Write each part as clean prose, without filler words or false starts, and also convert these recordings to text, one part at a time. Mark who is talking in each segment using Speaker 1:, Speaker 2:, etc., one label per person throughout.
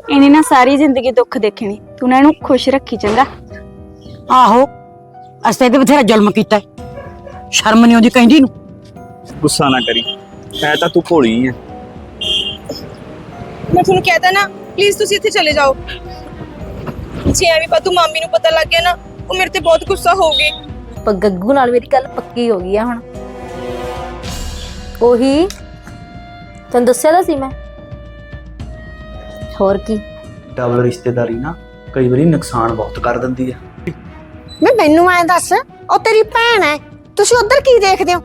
Speaker 1: ਇਹਨੇ ਨਾ ਸਾਰੀ ਜ਼ਿੰਦਗੀ ਦੁੱਖ ਦੇਖਣੀ, ਤੂੰ ਨਾ ਇਹਨੂੰ ਖੁਸ਼ ਰੱਖੀ ਚੰਗਾ।
Speaker 2: ਆਹੋ ਅਸਤੇ ਤੇ ਬਥੇਰਾ ਜ਼ੁਲਮ ਕੀਤਾ, ਸ਼ਰਮ ਨਹੀਂ ਆਉਂਦੀ ਕਹਿੰਦੀ ਨੂੰ।
Speaker 3: ਗੁੱਸਾ ਨਾ ਕਰੀ, ਐ ਤਾਂ ਤੂੰ ਭੋਲੀ ਐ।
Speaker 4: ਮੈਂ ਤੁਹਾਨੂੰ ਕਹਿਤਾ ਨਾ, ਪਲੀਜ਼ ਤੁਸੀਂ ਇੱਥੇ ਚਲੇ ਜਾਓ। ਜੇ ਐਵੇਂ ਪਤੂ ਮਾਮੀ ਨੂੰ ਪਤਾ ਲੱਗ ਗਿਆ ਨਾ, ਉਹ ਮੇਰੇ ਤੇ ਬਹੁਤ ਗੁੱਸਾ ਹੋਊਗੀ।
Speaker 5: ਪਰ ਗੱਗੂ ਨਾਲ ਮੇਰੀ ਗੱਲ ਪੱਕੀ ਹੋ ਗਈ ਆ ਹੁਣ। ਉਹੀ ਤੈਨੂੰ ਦੱਸਿਆ ਤਾਂ ਸੀ ਮੈਂ। ਹੋਰ ਕੀ,
Speaker 6: ਡਬਲ ਰਿਸ਼ਤੇਦਾਰੀ ਨਾ ਕਈ ਵਾਰੀ ਨੁਕਸਾਨ ਬਹੁਤ ਕਰ ਦਿੰਦੀ ਆ।
Speaker 7: ਮੈਨੂੰ ਐ ਦੱਸ, ਉਹ ਤੇਰੀ ਭੈਣ ਐ, ਤੁਸੀਂ ਉਧਰ ਕੀ ਦੇਖਦੇ ਹੋ?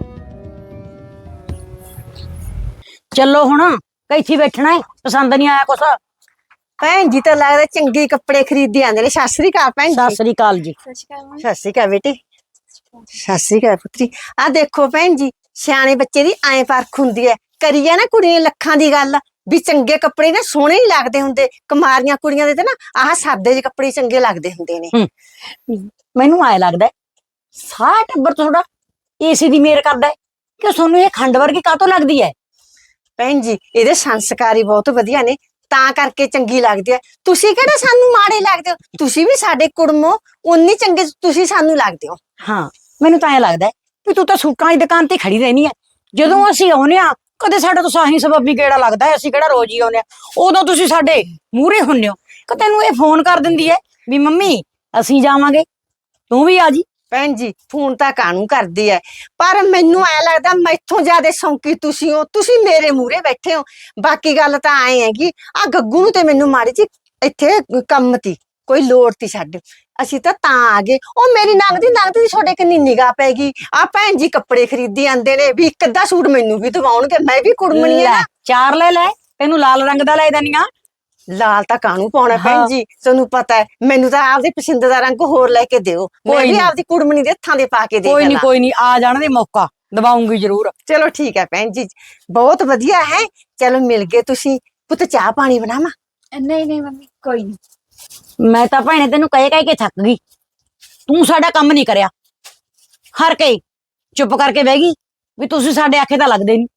Speaker 2: ਚੱਲੋ ਹੁਣ, ਕਿੱਥੇ ਬੈਠਣਾ ਹੈ? ਪਸੰਦ ਨਹੀਂ ਆਇਆ ਕੁਛ?
Speaker 7: ਭੈਣ ਜੀ ਤਾਂ ਲੱਗਦਾ ਚੰਗੇ ਕੱਪੜੇ ਖਰੀਦੀ ਆਂਦੇ ਨੇ। ਸਤਿ ਸ੍ਰੀ ਅਕਾਲ ਭੈਣ
Speaker 2: ਸਤਿ
Speaker 7: ਜੀ।
Speaker 2: ਸ੍ਰੀ ਅਕਾਲ ਜੀ।
Speaker 7: ਸਤਿ ਸ੍ਰੀ ਅਕਾਲ ਬੇਟੀ। ਸਤਿ ਸ੍ਰੀ ਅਕਾਲ ਪੁੱਤਰੀ। ਆ ਦੇਖੋ ਭੈਣ ਜੀ, ਸਿਆਣੇ ਬੱਚੇ ਦੀ ਐਂ ਪਰਖ ਹੁੰਦੀ ਐ। ਕਰੀ ਆ ਨਾ ਕੁੜੀ ਨੇ ਲੱਖਾਂ ਦੀ ਗੱਲ ਵੀ ਚੰਗੇ ਕੱਪੜੇ ਨਾ ਸੋਹਣੇ ਹੀ ਲੱਗਦੇ ਹੁੰਦੇ। ਕੁਮਾਰੀਆਂ ਕੁੜੀਆਂ ਦੇ ਤੇ ਨਾ ਆਹ ਸਾਦੇ ਜਿਹੇ ਕੱਪੜੇ ਚੰਗੇ ਲੱਗਦੇ ਹੁੰਦੇ ਨੇ।
Speaker 2: ਮੈਨੂੰ ਆਏ ਲੱਗਦਾ ਸਾਰਾ ਟੱਬਰ ਤੁਹਾਡਾ ਏਸੀ ਦੀ ਮੇਰ ਕਰਦਾ ਹੈ ਕਿ ਤੁਹਾਨੂੰ ਇਹ ਖੰਡ ਵਰਗੀ ਕਾਹਤੋਂ ਲੱਗਦੀ ਹੈ?
Speaker 7: ਭੈਣ ਜੀ ਇਹਦੇ ਸੰਸਕਾਰੀ ਬਹੁਤ ਵਧੀਆ ਨੇ, ਤਾਂ ਕਰਕੇ ਚੰਗੀ ਲੱਗਦੀ ਹੈ। ਤੁਸੀਂ ਕਿਹੜਾ ਸਾਨੂੰ ਮਾੜੇ ਲੱਗਦੇ ਹੋ? ਤੁਸੀਂ ਵੀ ਸਾਡੇ ਕੁੜਮੋ ਉਨੀ ਚੰਗੇ ਤੁਸੀਂ ਸਾਨੂੰ ਲੱਗਦੇ ਹੋ।
Speaker 2: ਹਾਂ, ਮੈਨੂੰ ਤਾਂ ਐ ਲੱਗਦਾ ਵੀ ਤੂੰ ਤਾਂ ਸੂਟਾਂ ਦੀ ਦੁਕਾਨ ਤੇ ਖੜੀ ਰਹਿਣੀ ਹੈ। ਜਦੋਂ ਅਸੀਂ ਆਉਨੇ ਆ ਕਦੇ ਸਾਡਾ ਤਾਂ ਸਾਹੀ ਸਬੱਬੀ ਗੇੜਾ ਲੱਗਦਾ ਹੈ, ਅਸੀਂ ਕਿਹੜਾ ਰੋਜ਼ ਹੀ ਆਉਨੇ ਆ। ਉਦੋਂ ਤੁਸੀਂ ਸਾਡੇ ਮੂਹਰੇ ਹੁੰਨੇ ਹੋ ਕਿ ਤੈਨੂੰ ਇਹ ਫੋਨ ਕਰ ਦਿੰਦੀ ਹੈ ਵੀ ਮੰਮੀ ਅਸੀਂ ਜਾਵਾਂਗੇ, ਤੂੰ ਵੀ ਆ ਜੀ।
Speaker 7: ਭੈਣ ਜੀ ਫੋਨ ਤਾਂ ਕਾਹਨੂੰ ਕਰਦੀ ਐ, ਪਰ ਮੈਨੂੰ ਐ ਲੱਗਦਾ ਮੈਥੋਂ ਜ਼ਿਆਦਾ ਸ਼ੌਂਕੀ ਤੁਸੀਂ ਹੋ। ਤੁਸੀਂ ਮੇਰੇ ਮੂਹਰੇ ਬੈਠੇ ਹੋ। ਬਾਕੀ ਗੱਲ ਤਾਂ ਐ ਹੈਗੀ, ਆ ਗੱਗੂ ਨੂੰ ਤੇ ਮੈਨੂੰ ਮਾੜੀ ਜੀ ਇੱਥੇ ਕੰਮ ਤੀ, ਕੋਈ ਲੋੜ ਤੀ ਛੱਡ, ਅਸੀਂ ਤਾਂ ਆ ਗਏ। ਉਹ ਮੇਰੀ ਨੰਗਦੀ ਤੁਹਾਡੇ ਕਿੰਨੀ ਨਿਗਾਹ ਪੈ ਗਈ। ਆ ਭੈਣ ਜੀ ਕੱਪੜੇ ਖਰੀਦੀ ਆਂਦੇ ਨੇ ਵੀ ਇੱਕ ਅੱਧਾ ਸੂਟ ਮੈਨੂੰ ਵੀ ਦਵਾਉਣਗੇ, ਮੈਂ ਵੀ ਕੁੜਮਣੀ ਆ ਨਾ।
Speaker 2: ਚਾਰ ਲੈ ਲੈ, ਤੈਨੂੰ ਲਾਲ ਰੰਗ ਦਾ ਲੈ ਦੇਣੀਆਂ।
Speaker 7: ਲਾਲ ਤਾਂ ਕਾਹਨੂੰ ਪਾਉਣਾ ਭੈਣ ਜੀ, ਤੁਹਾਨੂੰ ਪਤਾ ਹੈ ਮੈਨੂੰ ਤਾਂ ਆਪਦੀ ਪਸੰਦ ਦਾ ਰੰਗ ਹੋਰ ਲੈ ਕੇ ਦਿਓ। ਮੈਂ ਵੀ ਆਪਦੀ ਕੁੜਮਣੀ ਦੇ ਹੱਥਾਂ ਦੇ ਪਾ ਕੇ ਦੇਖ ਲਾਂ।
Speaker 2: ਕੋਈ ਨਹੀਂ ਆ ਜਾਣ ਦੇ, ਮੌਕਾ ਦਵਾਉਂਗੀ ਜ਼ਰੂਰ।
Speaker 7: ਚਲੋ ਠੀਕ ਹੈ ਭੈਣ ਜੀ, ਬਹੁਤ ਵਧੀਆ ਹੈ। ਚਲੋ ਮਿਲ ਗਏ ਤੁਸੀਂ। ਪੁੱਤ ਚਾਹ ਪਾਣੀ ਬਣਾਵਾਂ?
Speaker 1: ਨਹੀਂ ਨਹੀਂ ਮੰਮੀ, ਕੋਈ ਨਹੀਂ।
Speaker 2: ਮੈਂ ਤਾਂ ਭੈਣੇ ਤੈਨੂੰ ਕਹਿ ਕੇ ਥੱਕ ਗਈ, ਤੂੰ ਸਾਡਾ ਕੰਮ ਨਹੀਂ ਕਰਿਆ। ਹਰ ਕੇ ਚੁੱਪ ਕਰਕੇ ਬਹਿ ਗਈ ਵੀ ਤੁਸੀਂ ਸਾਡੇ ਆਖੇ ਤਾਂ ਲੱਗਦੇ ਨਹੀਂ।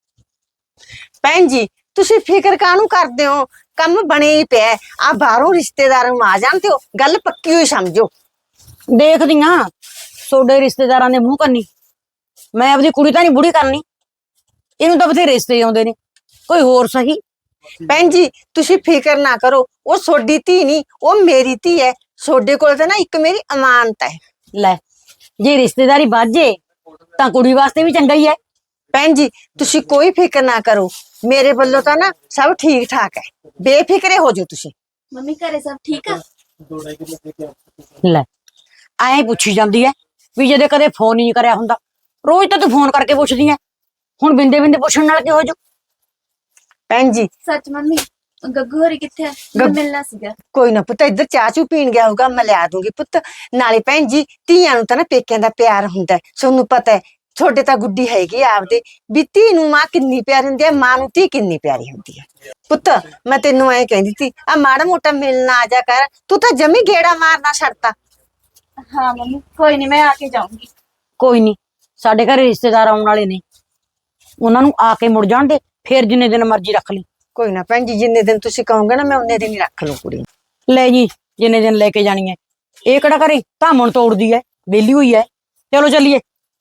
Speaker 7: ਭੈਣ ਜੀ ਤੁਸੀਂ ਫਿਕਰ ਕਾਹਨੂੰ ਕਰਦੇ ਹੋ? ਕੰਮ ਬਣੇ ਹੀ ਪਿਆ। ਆ ਬਾਹਰੋਂ ਰਿਸ਼ਤੇਦਾਰਾਂ ਨੂੰ ਆ ਜਾਂਦੇ ਹੋ, ਗੱਲ ਪੱਕੀ ਹੋਈ ਸਮਝੋ।
Speaker 2: ਦੇਖਦੀਆਂ ਤੁਹਾਡੇ ਰਿਸ਼ਤੇਦਾਰਾਂ ਦੇ ਮੂੰਹ ਕੰਨੀ, ਮੈਂ ਆਪਦੀ ਕੁੜੀ ਤਾਂ ਨਹੀਂ ਬੁੜੀ ਕਰਨੀ। ਇਹਨੂੰ ਤਾਂ ਬਥੇਰੇ ਰਿਸ਼ਤੇ ਆਉਂਦੇ ਨੇ, ਕੋਈ ਹੋਰ ਸਹੀ।
Speaker 7: ਭੈਣ ਜੀ ਤੁਸੀਂ ਫਿਕਰ ਨਾ ਕਰੋ, ਉਹ ਤੁਹਾਡੀ ਧੀ ਨਹੀਂ, ਉਹ ਮੇਰੀ ਧੀ ਹੈ। ਤੁਹਾਡੇ ਕੋਲ ਤਾਂ ਨਾ ਇੱਕ ਮੇਰੀ ਅਮਾਨਤ ਹੈ।
Speaker 2: ਲੈ, ਜੇ ਰਿਸ਼ਤੇਦਾਰੀ ਬਾਝੇ ਤਾਂ ਕੁੜੀ ਵਾਸਤੇ ਵੀ ਚੰਗਾ ਹੀ ਹੈ।
Speaker 7: ਭੈਣ ਜੀ ਤੁਸੀਂ ਕੋਈ ਫਿਕਰ ਨਾ ਕਰੋ, ਮੇਰੇ ਵੱਲੋਂ ਤਾਂ ਨਾ ਸਭ ਠੀਕ ਠਾਕ ਹੈ। ਬੇਫਿਕਰੇ ਹੋ ਜਾਓ ਤੁਸੀਂ।
Speaker 1: ਮੰਮੀ ਘਰੇ ਸਭ ਠੀਕ ਆ?
Speaker 2: ਲੈ, ਐਂ ਪੁੱਛੀ ਜਾਂਦੀ ਹੈ ਵੀ ਜਦੋਂ ਕਦੇ ਫੋਨ ਹੀ ਨਹੀਂ ਕਰਿਆ ਹੁੰਦਾ। ਰੋਜ਼ ਤਾਂ ਤੂੰ ਫੋਨ ਕਰਕੇ ਪੁੱਛਦੀ ਹੈ, ਹੁਣ ਬਿੰਦੇ ਬਿੰਦੇ ਪੁੱਛਣ ਨਾਲ ਕੀ ਹੋ ਜਾਊ?
Speaker 7: ਭੈਣ ਜੀ
Speaker 1: ਸੱਚ ਮੰਮੀ, ਗੱਗੂ ਹੋਰੀ ਕਿੱਥੇ ਆ? ਮੈਂ ਮਿਲਣਾ ਸੀਗਾ।
Speaker 7: ਕੋਈ ਨਾ ਪੁੱਤ, ਇੱਧਰ ਚਾਹ ਚੂ ਪੀਣ ਗਿਆ ਹੋਊਗਾ, ਮੈਂ ਲਿਆ ਦੂੰਗੀ ਪੁੱਤ। ਨਾਲੇ ਭੈਣ ਜੀ ਧੀਆਂ ਨੂੰ ਤਾਂ ਨਾ ਪੇਕਿਆਂ ਦਾ ਪਿਆਰ ਹੁੰਦਾ ਹੈ, ਤੁਹਾਨੂੰ ਪਤਾ ਹੈ। ਤੁਹਾਡੇ ਤਾਂ ਗੁੱਡੀ ਹੈਗੀ ਆਪਦੇ ਵੀ ਧੀ ਨੂੰ ਮਾਂ ਕਿੰਨੀ ਪਿਆਰੀ ਹੁੰਦੀ ਹੈ, ਮਾਂ ਨੂੰ ਧੀ ਕਿੰਨੀ ਪਿਆਰੀ ਹੁੰਦੀ ਹੈ। ਪੁੱਤ ਮੈਂ ਤੈਨੂੰ ਐਂ ਕਹਿੰਦੀ ਸੀ, ਆ ਮਾੜਾ ਮੋਟਾ ਮਿਲਣਾ ਆ ਜਾ ਕਰ, ਤੂੰ ਤਾਂ ਜਮੀ ਗੇੜਾ ਮਾਰਨਾ ਛੱਡਤਾ।
Speaker 1: ਹਾਂ ਮੰਮੀ, ਕੋਈ ਨਹੀਂ, ਮੈਂ ਆ ਕੇ ਜਾਊਂਗੀ।
Speaker 2: ਕੋਈ ਨਹੀਂ, ਸਾਡੇ ਘਰੇ ਰਿਸ਼ਤੇਦਾਰ ਆਉਣ ਵਾਲੇ ਨੇ, ਉਹਨਾਂ ਨੂੰ ਆ ਕੇ ਮੁੜ ਜਾਣ ਦੇ, ਫੇਰ ਜਿੰਨੇ ਦਿਨ ਮਰਜ਼ੀ ਰੱਖ ਲਈ।
Speaker 7: ਕੋਈ ਨਾ ਭੈਣ ਜੀ, ਜਿੰਨੇ ਦਿਨ ਤੁਸੀਂ ਕਹੋਗੇ ਨਾ ਮੈਂ ਉਨੇ ਦਿਨ ਹੀ ਰੱਖ ਲੂ ਕੁੜੀ।
Speaker 2: ਲੈ ਜੀ, ਜਿੰਨੇ ਦਿਨ ਲੈ ਕੇ ਜਾਣੀ ਹੈ। ਇਹ ਕਿਹੜਾ ਘਰੇ ਧਾਮਣ ਤੋੜਦੀ ਹੈ, ਵਿਹਲੀ ਹੋਈ ਹੈ। ਚਲੋ ਚੱਲੀਏ।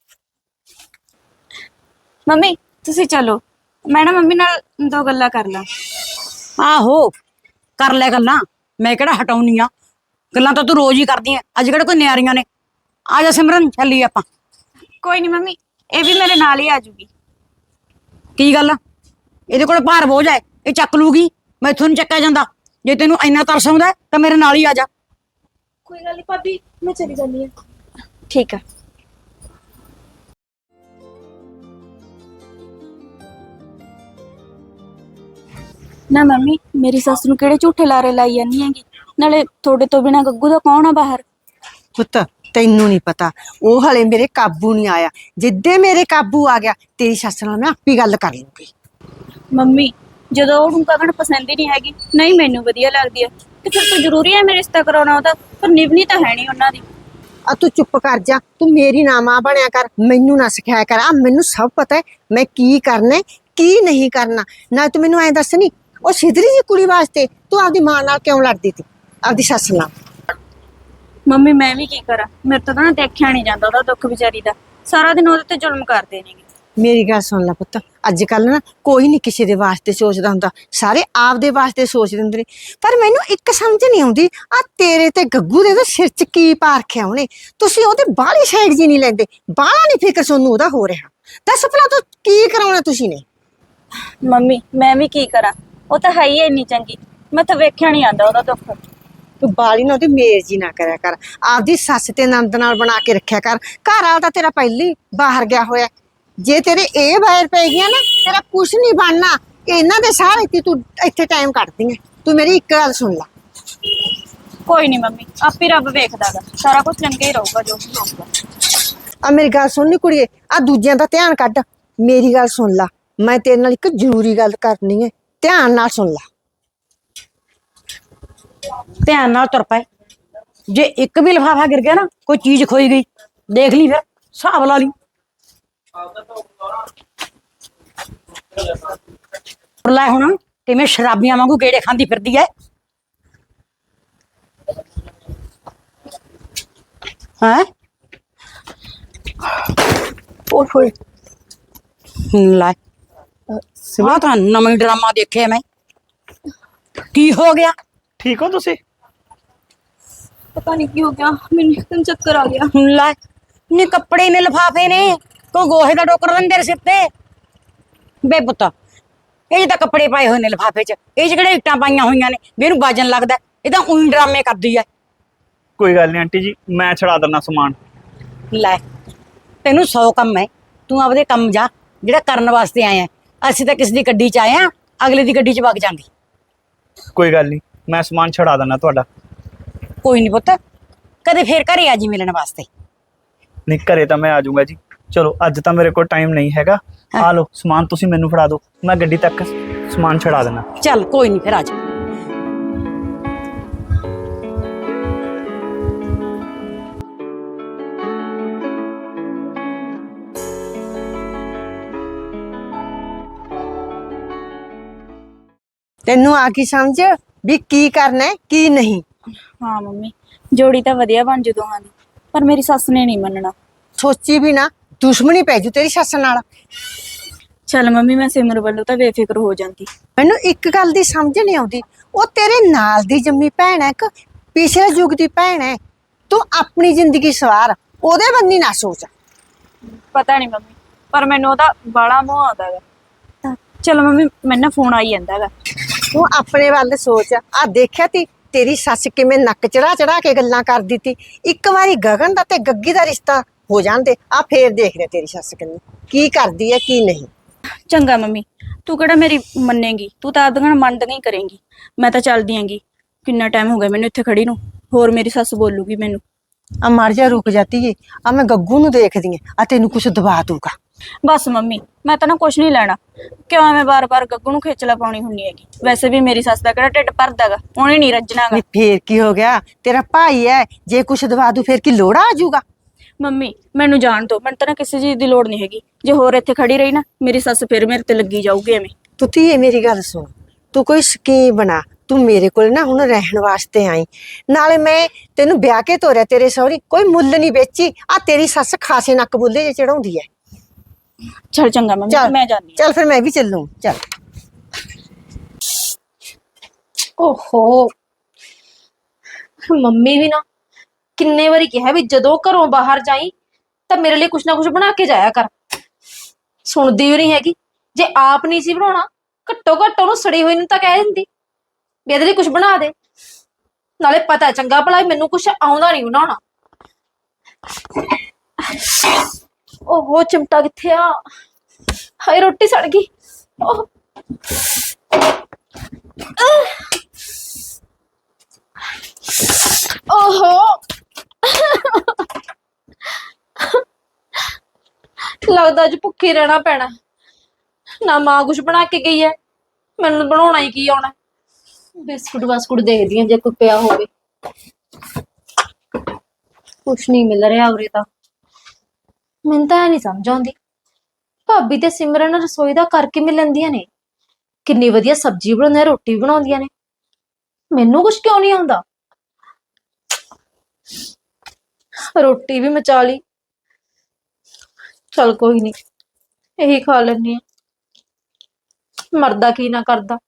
Speaker 1: ਮੰਮੀ ਤੁਸੀਂ ਚਲੋ, ਮੈਂ ਨਾ ਮੰਮੀ ਨਾਲ 2 ਗੱਲਾਂ ਕਰ ਲਾਂ।
Speaker 2: ਆਹੋ ਕਰ ਲੈ ਗੱਲਾਂ, ਮੈਂ ਕਿਹੜਾ ਹਟਾਉਣੀ ਆ। ਗੱਲਾਂ ਤਾਂ ਤੂੰ ਰੋਜ਼ ਹੀ ਕਰਦੀ ਐ, ਅੱਜ ਕਿਹੜਾ ਕੋਈ ਨਿਆਰੀਆਂ ਨੇ। ਆ ਜਾ ਸਿਮਰਨ, ਚੱਲੀਏ ਆਪਾਂ।
Speaker 1: ਕੋਈ ਨਹੀਂ ਮੰਮੀ, ਇਹ ਵੀ ਮੇਰੇ ਨਾਲ ਹੀ ਆ ਜੂਗੀ।
Speaker 2: ਕੀ ਗੱਲ, ਇਹਦੇ ਕੋਲ ਭਾਰ ਬੋਝ ਹੈ, ਇਹ ਚੱਕ ਲੂਗੀ, ਮੈਥੋਂ ਨਹੀਂ ਚੱਕਿਆ ਜਾਂਦਾ। ਜੇ ਤੈਨੂੰ ਇੰਨਾ ਤਰਸ ਆਉਂਦਾ ਤਾਂ ਮੇਰੇ ਨਾਲ ਹੀ ਆ ਜਾ।
Speaker 1: ਕੋਈ ਗੱਲ ਨਹੀਂ ਭਾਬੀ, ਮੈਂ ਚਲੀ ਜਾਂਦੀ ਹਾਂ। ਠੀਕ ਆ। ਨਾ ਮੰਮੀ, ਮੇਰੀ ਸੱਸ ਨੂੰ ਕਿਹੜੇ ਝੂਠੇ ਲਾਰੇ ਲਾਈ ਜਾਂਦੀ ਹੈਗੀ? ਨਾਲੇ ਤੁਹਾਡੇ ਤੋਂ ਬਿਨਾ ਗੱਗੂ ਦਾ ਕੌਣ ਆ ਬਾਹਰ?
Speaker 7: ਪੁੱਤ ਤੈਨੂੰ ਨਹੀਂ ਪਤਾ, ਉਹ ਹਲੇ ਮੇਰੇ ਕਾਬੂ ਨਹੀਂ ਆਇਆ। ਜਿੱਦੇ ਮੇਰੇ ਕਾਬੂ ਆ ਗਿਆ ਤੇਰੀ ਸੱਸ ਨਾਲ ਮੈਂ ਆਪੀ ਗੱਲ ਕਰ ਲੂੰਗੀ।
Speaker 1: ਮੰਮੀ ਜਦੋਂ ਉਹਨੂੰ ਕਗਣ ਪਸੰਦ ਹੀ ਨਹੀਂ ਹੈਗੀ, ਨਹੀਂ ਮੈਨੂੰ ਵਧੀਆ ਲੱਗਦੀ ਹੈ, ਤੇ ਫਿਰ ਤਾਂ ਜ਼ਰੂਰੀ ਹੈ ਮੇਰੇ ਰਿਸ਼ਤਾ ਕਰਾਉਣਾ ਉਹਦਾ? ਪਰ ਨਿਭਣੀ ਤਾਂ ਹੈ ਨਹੀਂ ਉਹਨਾਂ ਦੀ।
Speaker 7: ਆ ਤੂੰ ਚੁੱਪ ਕਰ ਜਾ, ਤੂੰ ਮੇਰੀ ਨਾ ਮਾਂ ਬਣਿਆ ਕਰ, ਮੈਨੂੰ ਨਾ ਸਿਖਾਇਆ ਕਰ। ਆ ਮੈਨੂੰ ਸਭ ਪਤਾ ਹੈ ਮੈਂ ਕੀ ਕਰਨਾ ਕੀ ਨਹੀਂ ਕਰਨਾ। ਨਾ ਤੂੰ ਮੈਨੂੰ ਐਂ ਦੱਸ ਨੀ, ਉਹ ਸਿੱਧਰੀ ਜੀ ਕੁੜੀ ਵਾਸਤੇ ਤੂੰ ਆਪਦੀ ਮਾਂ ਨਾਲ ਕਿਉਂ ਲੜਦੀ ਤੀ, ਆਪਦੀ ਸੱਸ ਨਾਲ?
Speaker 1: ਮੰਮੀ ਮੈਂ ਵੀ ਕੀ ਕਰਾਂ, ਮੇਰੇ ਤੋਂ ਤਾਂ ਨਾ ਦੇਖਿਆ ਨਹੀਂ ਜਾਂਦਾ ਉਹਦਾ ਦੁੱਖ ਵਿਚਾਰੀ ਦਾ। ਸਾਰਾ ਦਿਨ ਉਹਦੇ ਤੇ ਜ਼ੁਲਮ ਕਰਦੇ ਨੇਗੇ।
Speaker 7: ਮੇਰੀ ਗੱਲ ਸੁਣ ਲੈ ਪੁੱਤ, ਅੱਜ ਕੱਲ ਨਾ ਕੋਈ ਨਹੀਂ ਕਿਸੇ ਦੇ ਵਾਸਤੇ ਸੋਚਦਾ ਹੁੰਦਾ, ਸਾਰੇ ਆਪਦੇ ਵਾਸਤੇ ਸੋਚਦੇ ਹੁੰਦੇ ਨੇ। ਪਰ ਮੈਨੂੰ ਇੱਕ ਸਮਝ ਨਹੀਂ ਆਉਂਦੀ, ਆ ਤੇਰੇ ਤੇ ਗੱਗੂ ਦੇ ਤਾਂ ਸਿਰ 'ਚ ਕੀ ਪਾ ਰੱਖਿਆ ਉਹਨੇ? ਤੁਸੀਂ ਉਹਦੇ ਬਾਹਲੀ ਸਾਈਡ ਜੀ ਨਹੀਂ ਲੈਂਦੇ, ਬਾਹਲਾ ਨਹੀਂ ਫਿਕਰ ਤੁਹਾਨੂੰ ਉਹਦਾ ਹੋ ਰਿਹਾ। ਦੱਸ ਭਲਾ ਤੂੰ ਕੀ ਕਰਾਉਣਾ ਤੁਸੀਂ ਨੇ?
Speaker 1: ਮੰਮੀ ਮੈਂ ਵੀ ਕੀ ਕਰਾਂ, ਉਹ ਤਾਂ ਹੈ ਹੀ ਇੰਨੀ ਚੰਗੀ, ਮੈਂ ਤਾਂ ਵੇਖਿਆ ਨਹੀਂ ਆਂਦਾ ਉਹਦਾ ਦੁੱਖ।
Speaker 7: ਤੂੰ ਬਾਲੀ ਨਾ ਉਹਦੀ ਮੇਜ਼ ਹੀ ਨਾ ਕਰਿਆ ਕਰ, ਆਪਦੀ ਸੱਸ ਤੇ ਨੰਦ ਨਾਲ ਬਣਾ ਕੇ ਰੱਖਿਆ ਕਰ। ਘਰ ਵਾਲਾ ਤਾਂ ਤੇਰਾ ਪਹਿਲੀ ਬਾਹਰ ਗਿਆ ਹੋਇਆ, ਜੇ ਤੇਰੇ ਇਹ ਬਾਹਰ ਪੈ ਗਿਆ ਨਾ ਤੇਰਾ ਕੁਛ ਨਹੀਂ ਬਣਨਾ। ਇਹਨਾਂ ਦੇ ਸਾਰੇ ਤੇ ਤੂੰ ਇੱਥੇ ਟਾਈਮ ਕੱਢਦੀ ਹੈ। ਤੂੰ ਮੇਰੀ ਇੱਕ ਗੱਲ ਸੁਣ ਲੈ,
Speaker 1: ਕੋਈ ਨਹੀਂ ਮੰਮੀ, ਆਪੇ ਰੱਬ ਵੇਖਦਾਗਾ, ਸਾਰਾ ਕੁਝ ਚੰਗਾ ਹੀ ਰਹੂਗਾ ਜੋ ਵੀ ਹੋਊਗਾ।
Speaker 7: ਆ ਮੇਰੀ ਗੱਲ ਸੁਣ ਨੀ ਕੁੜੀਏ, ਆ ਦੂਜਿਆਂ ਦਾ ਧਿਆਨ ਕੱਢ, ਮੇਰੀ ਗੱਲ ਸੁਣ ਲਾ। ਮੈਂ ਤੇਰੇ ਨਾਲ ਇੱਕ ਜ਼ਰੂਰੀ ਗੱਲ ਕਰਨੀ ਹੈ, ਧਿਆਨ ਨਾਲ ਸੁਣ ਲਾ।
Speaker 2: ਧਿਆਨ ਨਾਲ ਤੁਰ ਪਏ। ਜੇ ਇੱਕ ਵੀ ਲਿਫਾਫਾ ਗਿਰ ਗਿਆ ਨਾ, ਕੋਈ ਚੀਜ਼ ਖੋਈ ਗਈ, ਦੇਖ ਲਈ ਫਿਰ ਹਿਸਾਬ ਲਾ ਲਈ। ਲੈ ਹੁਣ ਕਿਵੇਂ ਸ਼ਰਾਬੀਆਂ ਵਾਂਗੂ ਗੇੜੇ ਖਾਂਦੀ ਫਿਰਦੀ ਐ। ਹੈ
Speaker 7: ਓਏ
Speaker 2: ਲੈ ਆਹ ਤਾਂ ਨਵਾਂ ਹੀ ਡਰਾਮਾ ਦੇਖਿਆ ਮੈਂ। ਕੀ ਹੋ ਗਿਆ?
Speaker 3: ਠੀਕ ਹੋ ਤੁਸੀਂ?
Speaker 1: ਪਤਾ ਨਹੀਂ ਕੀ ਹੋ ਗਿਆ, ਮੈਨੂੰ ਇੱਕਦਮ ਚੱਕਰ ਆ ਗਿਆ।
Speaker 2: ਲੈ ਨੀ ਕੱਪੜੇ ਨੇ ਲਿਫਾਫੇ ਨੇ, ਕੋਈ ਗੋਹੇ ਦਾ ਟੋਕਰਾ ਤਾਂ ਨੀ ਤੇਰੇ ਸਿਰ ਤੇ? ਬੇ ਪੁੱਤ ਇਹ ਤਾਂ ਕੱਪੜੇ ਪਾਏ ਹੋਏ ਨੇ ਲਿਫਾਫੇ 'ਚ, ਇਹ 'ਚ ਕਿਹੜੇ ਇੱਟਾਂ ਪਾਈਆਂ ਹੋਈਆਂ ਨੇ ਵੀ ਇਹਨੂੰ ਬਾਜਣ ਲੱਗਦਾ? ਇਹ ਤਾਂ ਉਹੀ ਡਰਾਮੇ ਕਰਦੀ ਐ।
Speaker 3: ਕੋਈ ਗੱਲ ਨਹੀਂ ਆਂਟੀ ਜੀ, ਮੈਂ ਛੜਾ ਦਿੰਦਾ ਸਮਾਨ।
Speaker 2: ਲੈ ਤੈਨੂੰ 100 ਕੰਮ ਹੈ, ਤੂੰ ਆਪਦੇ ਕੰਮ ਜਾ ਜਿਹੜਾ ਕਰਨ ਵਾਸਤੇ ਆਇਆ। ਅਸੀਂ ਤਾਂ ਕਿਸ ਦੀ ਗੱਡੀ 'ਚ ਆਏ ਆ, ਅਗਲੇ ਦੀ ਗੱਡੀ 'ਚ ਵਗ ਜਾਂਗੇ।
Speaker 3: ਕੋਈ ਗੱਲ ਨਹੀਂ, ਮੈਂ ਸਮਾਨ ਛੜਾ ਦਿੰਦਾ ਤੁਹਾਡਾ।
Speaker 2: ਕੋਈ ਨਹੀਂ ਪੁੱਤ, ਕਦੇ ਫੇਰ ਘਰੇ ਆ ਜੀ ਮਿਲਣ ਵਾਸਤੇ।
Speaker 3: ਨਹੀਂ ਘਰੇ ਤਾਂ ਮੈਂ ਆ ਜਾਊਂਗਾ ਜੀ। ਚਲੋ ਅੱਜ ਤਾਂ ਮੇਰੇ ਕੋਲ ਟਾਈਮ ਨਹੀਂ ਹੈਗਾ, ਆ ਲਓ ਸਮਾਨ ਤੁਸੀਂ ਮੈਨੂੰ ਫੜਾ ਦਿਓ, ਮੈਂ ਗੱਡੀ ਤੱਕ ਸਮਾਨ ਛੜਾ ਦੇਣਾ।
Speaker 2: ਚੱਲ ਕੋਈ ਨਹੀਂ ਫਿਰ ਆ ਜਾ।
Speaker 7: ਤੈਨੂੰ ਆ ਕੀ ਸਮਝ ਵੀ ਕੀ ਕਰਨਾ ਹੈ ਕੀ ਨਹੀਂ?
Speaker 1: ਹਾਂ ਮੰਮੀ, ਜੋੜੀ ਤਾਂ ਵਧੀਆ ਬਣ ਜੂ ਦੋਹਾਂ ਦੀ, ਪਰ ਮੇਰੀ ਸੱਸ ਨੇ ਨਹੀਂ ਮੰਨਣਾ।
Speaker 7: ਸੋਚੀ ਵੀ ਨਾ, ਦੁਸ਼ਮਣੀ ਪੈ ਜੂ ਤੇਰੀ ਸੱਸ ਨਾਲ।
Speaker 1: ਚੱਲ ਮੰਮੀ, ਮੈਂ ਸਿਮਰ ਵੱਲੋਂ ਤਾਂ ਬੇਫਿਕਰ ਹੋ ਜਾਂਦੀ।
Speaker 7: ਮੈਨੂੰ ਇੱਕ ਗੱਲ ਦੀ ਸਮਝ ਨਹੀਂ ਆਉਂਦੀ, ਉਹ ਤੇਰੇ ਨਾਲ ਦੀ ਜੰਮੀ ਭੈਣ ਹੈ ਕਿ ਪਿਛਲੇ ਯੁੱਗ ਦੀ ਭੈਣ ਹੈ? ਤੂੰ ਆਪਣੀ ਜ਼ਿੰਦਗੀ ਸਵਾਰ, ਉਹਦੇ ਬੰਨੀ ਨਾ ਸੋਚ।
Speaker 1: ਪਤਾ ਨਹੀਂ ਮੰਮੀ, ਪਰ ਮੈਨੂੰ ਉਹਦਾ ਬਾਲਾ ਮੋਹ ਆਉਂਦਾ ਗਾ। ਚਲੋ ਮੰਮੀ, ਮੈਨੂੰ ਨਾ ਫੋਨ ਆਈ ਜਾਂਦਾ ਗਾ।
Speaker 7: ਤੂੰ ਆਪਣੇ ਵੱਲ ਸੋਚ। ਆ ਦੇਖਿਆ ਤੀ ਤੇਰੀ ਸੱਸ ਕਿਵੇਂ ਨੱਕ ਚੜਾ ਚੜਾ ਕੇ ਗੱਲਾਂ ਕਰਦੀ ਤੀ। ਇੱਕ ਵਾਰੀ ਗਗਨ ਦਾ ਤੇ ਗੱਗੀ ਦਾ ਰਿਸ਼ਤਾ ਹੋ ਜਾਂਦੇ, ਆ ਫੇਰ ਦੇਖਦੇ ਤੇਰੀ ਸੱਸ ਕਿੰਨੀ ਕੀ ਕਰਦੀ ਹੈ ਕੀ ਨਹੀਂ।
Speaker 1: ਚੰਗਾ ਮੰਮੀ, ਤੂੰ ਕਿਹੜਾ ਮੇਰੀ ਮੰਨੇਗੀ, ਤੂੰ ਤਾਂ ਆਪਦੀਆਂ ਮੰਨਦੀਆਂ ਹੀ ਕਰੇਂਗੀ। ਮੈਂ ਤਾਂ ਚੱਲਦੀ ਆਂਗੀ, ਕਿੰਨਾ ਟਾਈਮ ਹੋ ਗਿਆ ਮੈਨੂੰ ਇੱਥੇ ਖੜੀ ਨੂੰ, ਹੋਰ ਮੇਰੀ ਸੱਸ ਬੋਲੂਗੀ ਮੈਨੂੰ।
Speaker 7: ਆ ਮਰ ਜਾ, ਰੁਕ ਜਾਤੀ ਏ। ਆ ਮੈਂ ਗੱਗੂ ਨੂੰ ਦੇਖਦੀ ਆ, ਆ ਤੈਨੂੰ ਕੁਛ ਦਵਾ ਦੂਗਾ।
Speaker 1: ਬਸ ਮੰਮੀ, ਮੈਂ ਤਾਂ ਨਾ ਕੁਛ ਨਹੀਂ ਲੈਣਾ, ਕਿਉਂ ਐਵੇਂ ਬਾਰ-ਬਾਰ ਗੱਗੂ ਨੂੰ ਖੇਚਲਾ ਪਾਉਣੀ ਹੁੰਨੀ ਹੈਗੀ। ਵੈਸੇ ਵੀ ਮੇਰੀ ਸੱਸ ਦਾ ਕਿਹੜਾ ਢਿੱਡ ਭਰਦਾਗਾ, ਉਹਨੇ ਨਹੀਂ ਰੱਜਣਾਗਾ।
Speaker 7: ਨਹੀਂ ਫੇਰ ਕੀ ਹੋ ਗਿਆ, ਤੇਰਾ ਭਾਈ ਹੈ, ਜੇ ਕੁਛ ਦਵਾ ਦੂ ਫੇਰ ਕੀ ਲੋੜਾ ਆ ਜਾਊਗਾ?
Speaker 1: ਮੰਮੀ ਮੈਨੂੰ ਜਾਣ ਦਿਓ, ਮੈਨੂੰ ਤਾਂ ਨਾ ਕਿਸੇ ਚੀਜ਼ ਦੀ ਲੋੜ ਨਹੀਂ ਹੈਗੀ। ਜੇ ਹੋਰ ਇੱਥੇ ਖੜੀ ਰਹੀ ਨਾ, ਮੇਰੀ ਸੱਸ ਫਿਰ ਮੇਰੇ ਤੇ ਲੱਗੀ ਜਾਊਗੀ ਐਵੇਂ।
Speaker 7: ਤੂੰ ਧੀਏ ਮੇਰੀ ਗੱਲ ਸੁਣ, ਤੂੰ ਕੋਈ ਸਕੀਮ ਬਣਾ, ਤੂੰ ਮੇਰੇ ਕੋਲ ਨਾ ਹੁਣ ਰਹਿਣ ਵਾਸਤੇ ਆਈ, ਨਾਲੇ ਮੈਂ ਤੈਨੂੰ ਵਿਆਹ ਕੇ ਤੋਰਿਆ ਤੇਰੇ ਸਹੁਰੀ, ਕੋਈ ਮੁੱਲ ਨਹੀਂ ਵੇਚੀ। ਆ ਤੇਰੀ ਸੱਸ ਖਾਸੇ ਨੱਕ ਬੁੱਲੇ ਜੇ ਚੜਾਉਂਦੀ ਹੈ।
Speaker 1: ਚੱਲ ਚੰਗਾ ਮੰਮੀ,
Speaker 7: ਚੱਲ
Speaker 1: ਮੈਂ ਜਾਂਦੀ ਹਾਂ।
Speaker 7: ਚੱਲ ਫਿਰ ਮੈਂ ਵੀ ਚੱਲੂ। ਚੱਲ
Speaker 5: ਓਹੋ, ਮੰਮੀ ਵੀ ਨਾ ਕਿੰਨੇ ਵਾਰੀ ਕਿਹਾ ਵੀ ਜਦੋਂ ਘਰੋਂ ਬਾਹਰ ਜਾਈ ਤਾਂ ਮੇਰੇ ਲਈ ਕੁਛ ਨਾ ਕੁਛ ਬਣਾ ਕੇ ਜਾਇਆ ਕਰ। ਸੁਣਦੀ ਵੀ ਨਹੀਂ ਹੈਗੀ। ਜੇ ਆਪ ਨਹੀਂ ਸੀ ਬਣਾਉਣਾ, ਘੱਟੋ ਘੱਟ ਉਹਨੂੰ ਸੜੀ ਹੋਈ ਨੂੰ ਤਾਂ ਕਹਿ ਦਿੰਦੀ ਵੀ ਇਹਦੇ ਲਈ ਕੁਛ ਬਣਾ ਦੇ। ਨਾਲੇ ਪਤਾ ਚੰਗਾ ਭਲਾ ਮੈਨੂੰ ਕੁਛ ਆਉਂਦਾ ਨਹੀਂ ਬਣਾਉਣਾ। ਓਹੋ, ਚਿਮਟਾ ਕਿੱਥੇ ਆ? ਹਾਏ ਰੋਟੀ ਸੜ ਗਈ। ਓਹ ਓਹੋ, ਲੱਗਦਾ ਅੱਜ ਭੁੱਖੀ ਰਹਿਣਾ ਪੈਣਾ। ਨਾ ਮਾਂ ਕੁਛ ਬਣਾ ਕੇ ਗਈ ਹੈ, ਮੈਨੂੰ ਬਣਾਉਣਾ ਹੀ ਕੀ ਆਉਣਾ। ਬਿਸਕੁਟ ਬਾਸਕੁਟ ਦੇਖਦੀ ਆ ਜੇ ਕੋਈ ਪਿਆ ਹੋਵੇ। ਕੁਛ ਨਹੀਂ ਮਿਲ ਰਿਹਾ ਉਰੇ ਤਾਂ। ਮੈਨੂੰ ਤਾਂ ਨਹੀਂ ਸਮਝ ਆਉਂਦੀ, ਭਾਬੀ ਤੇ ਸਿਮਰਨ ਰਸੋਈ ਦਾ ਕਰਕੇ ਮਿਲਣਦੀਆਂ ਨੇ, ਕਿੰਨੀ ਵਧੀਆ ਸਬਜ਼ੀ ਬਣਾਉਂਦੀਆਂ, ਰੋਟੀ ਬਣਾਉਂਦੀਆਂ ਨੇ, ਮੈਨੂੰ ਕੁਝ ਕਿਉਂ ਨਹੀਂ ਆਉਂਦਾ? ਰੋਟੀ ਵੀ ਮਚਾ ਲਈ। ਚਲ ਕੋਈ ਨਹੀਂ, ਇਹੀ ਖਾ ਲੈਣੀ ਆ। ਮਰਦਾ ਕੀ ਨਾ ਕਰਦਾ।